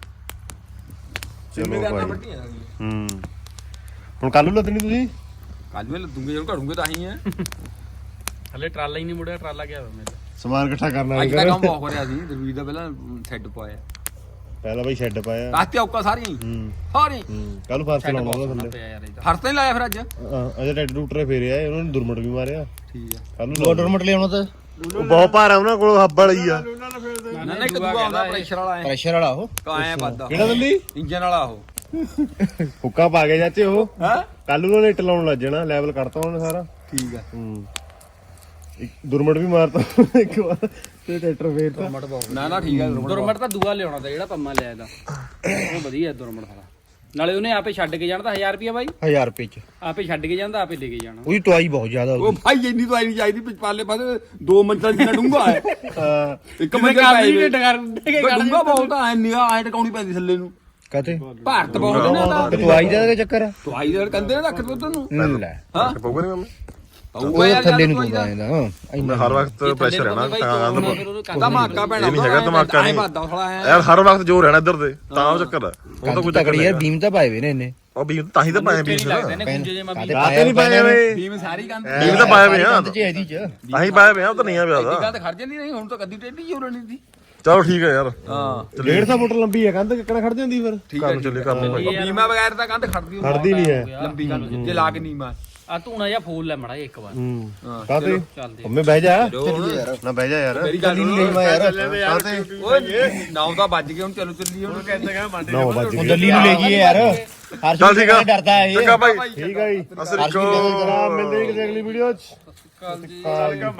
ਚਲੋ ਭਾਈ ਹੁਣ ਕੱਲ ਨੂੰ ਲੱਦਣੀ ਤੁਸੀਂ ਕੱਲ ਨੂੰ ਲੱਦੂਗੇ ਜਦੋਂ ਘੜੂਗੇ ਤਾਂ ਹੀ ਹੈ ਹਲੇ ਟਰਾਲਾ ਹੀ ਨਹੀਂ ਮੁੜਿਆ ਟਰਾਲਾ ਗਿਆ ਮੇਰੇ ਸਮਾਨ ਇਕੱਠਾ ਕਰਨਾ ਅੱਜ ਦਾ ਕੰਮ ਬਹੁਤ ਹੋ ਰਿਹਾ ਸੀ ਦਰਵੀਰ ਦਾ ਪਹਿਲਾਂ ਸੈੱਡ ਪਾਇਆ ਪਹਿਲਾਂ ਬਈ ਸ਼ੈੱਡ ਪਾਇਆ ਰਾਤੇ ਔਕਾ ਸਾਰੀਆਂ ਸਾਰੀਆਂ ਕੱਲ ਨੂੰ ਫਰਸ਼ ਲਾਉਣਾ ਉਹਦਾ ਥੱਲੇ ਪਿਆ ਯਾਰ ਇਹ ਤਾਂ ਫਰਸ਼ ਤਾਂ ਨਹੀਂ ਲਾਇਆ ਫਿਰ ਅੱਜ ਅਜੇ ਟੈਡ ਰੂਟਰ ਫੇਰਿਆ ਉਹਨਾਂ ਨੇ ਦੁਰਮਟ ਵੀ ਮਾਰਿਆ ਠੀਕ ਆ ਕੱਲ ਨੂੰ ਬੋਰਡਰ ਮਟ ਲਿਆਉਣਾ ਤਾਂ ਉਹ ਬਹੁਤ ਭਾਰਾ ਉਹਨਾਂ ਕੋਲ ਹੱਬ ਵਾਲੀ ਆ ਨਾ ਇੱਕ ਦੂਆ ਆਉਂਦਾ ਪ੍ਰੈਸ਼ਰ ਵਾਲਾ ਐ ਪ੍ਰੈਸ਼ਰ ਵਾਲਾ ਉਹ ਕਾਇਆ ਵੱਧਦਾ ਕਿਹੜਾ ਦਿੱਲੀ ਇੰਜਨ ਵਾਲਾ ਉਹ ਹੁੱਕਾ ਪਾ ਕੇ ਚਾਚੇ ਉਹ ਹੈ ਕੱਲ ਨੂੰ ਉਹਨੇ ਇੱਟ ਲਾਉਣ ਲੱਗ ਜਾਣਾ ਲੈਵਲ ਕਰਤਾ ਉਹਨੇ ਸਾਰਾ ਠੀਕ ਆ ਇੱਕ ਦੁਰਮਟ ਵੀ ਮਾਰਤਾ ਇੱਕ ਵਾਰ ਤੇ ਟਰੈਕਟਰ ਫੇਰਤਾ ਨਾ ਨਾ ਠੀਕ ਆ ਦੁਰਮਟ ਤਾਂ ਦੂਆ ਲਿਆਉਣਾ ਤਾਂ ਜਿਹੜਾ ਪੰਮਾ ਲਿਆ ਇਹਦਾ ਉਹ ਵਧੀਆ ਦੁਰਮਟ ਸਾਲਾ ਨਾਲੇ ਉਹਨੇ ਆਪੇ ਛੱਡ ਕੇ ਜਾਣਾ ਤਾਂ 1000 ਰੁਪਿਆ ਬਾਈ 1000 ਰੁਪਏ ਚ ਆਪੇ ਛੱਡ ਕੇ ਜਾਂਦਾ ਆਪੇ ਲੈ ਕੇ ਜਾਣਾ ਉਹਦੀ ਟਵਾਈ ਬਹੁਤ ਜ਼ਿਆਦਾ ਉਹ ਭਾਈ ਇੰਨੀ ਤਾਂ ਨਹੀਂ ਚਾਹੀਦੀ ਪਿਛਲੇ ਪਾਸੇ 2 ਮੰਜ਼ਲ ਜਿੰਨਾ ਡੂੰਘਾ ਹੈ ਹਾਂ ਇੱਕ ਮੰਜ਼ਲ ਪਾਏ ਡੂੰਘਾ ਬਹੁਤ ਆ ਨਿਆ ਐ ਟਕਾਉਣੀ ਪੈਂਦੀ ਥੱਲੇ ਨੂੰ ਕਹਤੇ ਭਾਰਤ ਬਹੁਤ ਨੇ ਦਾ ਟਵਾਈ ਦਾ ਚੱਕਰ ਆ ਤਵਾਈ ਦੇ ਕੰਦੇ ਨੇ ਰੱਖ ਦੋ ਤੈਨੂੰ ਲੈ ਹਾਂ ਪਊਗਾ ਨਹੀਂ ਮੰਮੀ ਉਹ ਥੱਲੇ ਨੂੰ ਦੂਦਾ ਇਹਦਾ ਮੈਂ ਹਰ ਵਕਤ ਪ੍ਰੈਸ਼ਰ ਰਹਿਣਾ ਧਮਾਕਾ ਪੈਣਾ ਇਹ ਨਹੀਂ ਹੈਗਾ ਧਮਾਕਾ ਨਹੀਂ ਵੱਧਦਾ ਥੋੜਾ ਯਾਰ ਹਰ ਵਕਤ ਜੋ ਰਹਿਣਾ ਇੱਧਰ ਦੇ ਤਾਂ ਉਹ ਚੱਕਰ ਆ ਉਹ ਤਾਂ ਕੋਈ ਚੱਕਰ ਤਕੜੀ ਨਹੀਂ ਯਾਰ ਬੀਮ ਤਾਂ ਪਾਏ ਵੇ ਨੇ ਇਹਨੇ ਉਹ ਬੀਮ ਤਾਂ ਹੀ ਤਾਂ ਪਾਏ ਬੀਮ ਲੱਗਦੇ ਨੇ ਗੁੰਜੇ ਜੇ ਮੈਂ ਵੀ ਰਾਤੇ ਨਹੀਂ ਪਾਏ ਵੇ ਟੀਮ ਸਾਰੀ ਕੰਦ ਬੀਮ ਤਾਂ ਪਾਏ ਵੇ ਆ ਚ ਇਹਦੀ ਚ ਅਸੀਂ ਪਾਏ ਵੇ ਆ ਉਹ ਤਾਂ ਨਹੀਂ ਆ ਪਿਆ ਦਾ ਗੱਲ ਖੜ ਜਾਂਦੀ ਨਹੀਂ ਹੁਣ ਤਾਂ ਕਦੀ ਟੇਢੀ ਹੀ ਹੋ ਰਹੀ ਸੀ ਚਲੋ ਠੀਕ ਹੈ ਯਾਰ ਹਾਂ 150 ਫੁੱਟ ਲੰਬੀ ਹੈ ਕੰਧ ਕਿੱਕਣਾ ਖੜ ਜਾਂਦੀ ਫਿਰ ਠੀਕ ਕੰਮ ਚੱਲੇ ਕੰਮ ਭਾਈ ਬੀਮਾ ਬਗੈਰ ਤਾਂ ਕੰਧ ਖੜਦੀ ਖੜਦੀ ਨਹੀਂ ਹੈ ਲੰਬੀ ਕੰਧ ਜੇ ਲਾ ਕੇ ਨੀਮਾ ਆ ਧੂਣਾ ਜਿਹਾ ਫੂਲ ਲੈ ਮੜਾ ਇੱਕ ਵਾਰ ਕਾਤੇ ਚੱਲਦੇ ਹਮੇ ਬਹਿ ਜਾ ਯਾਰ ਨਾ ਬਹਿ ਜਾ ਯਾਰ ਮੇਰੀ ਗੱਲ ਨਹੀਂ ਮੈਂ ਯਾਰ ਕਾਤੇ ਓਏ 9 ਤਾਂ ਵੱਜ ਗਏ ਹੁਣ ਚਲੋ ਚੱਲੀਏ ਹੁਣ ਕਹਿੰਦਾ ਕਿ ਮੰਡੇ 9 ਵਜੇ ਉਹ ਦਿੱਲੀ ਨੂੰ ਲੈ ਜੀਏ ਯਾਰ ਹਰ ਚੱਲ ਠੀਕ ਆ ਡਰਦਾ ਇਹ ਚੰਗਾ ਭਾਈ ਠੀਕ ਆ ਜੀ ਅਸਰੀ ਕੋ ਮਿਲਦੇ ਕਿਸੇ ਅਗਲੀ ਵੀਡੀਓ ਚ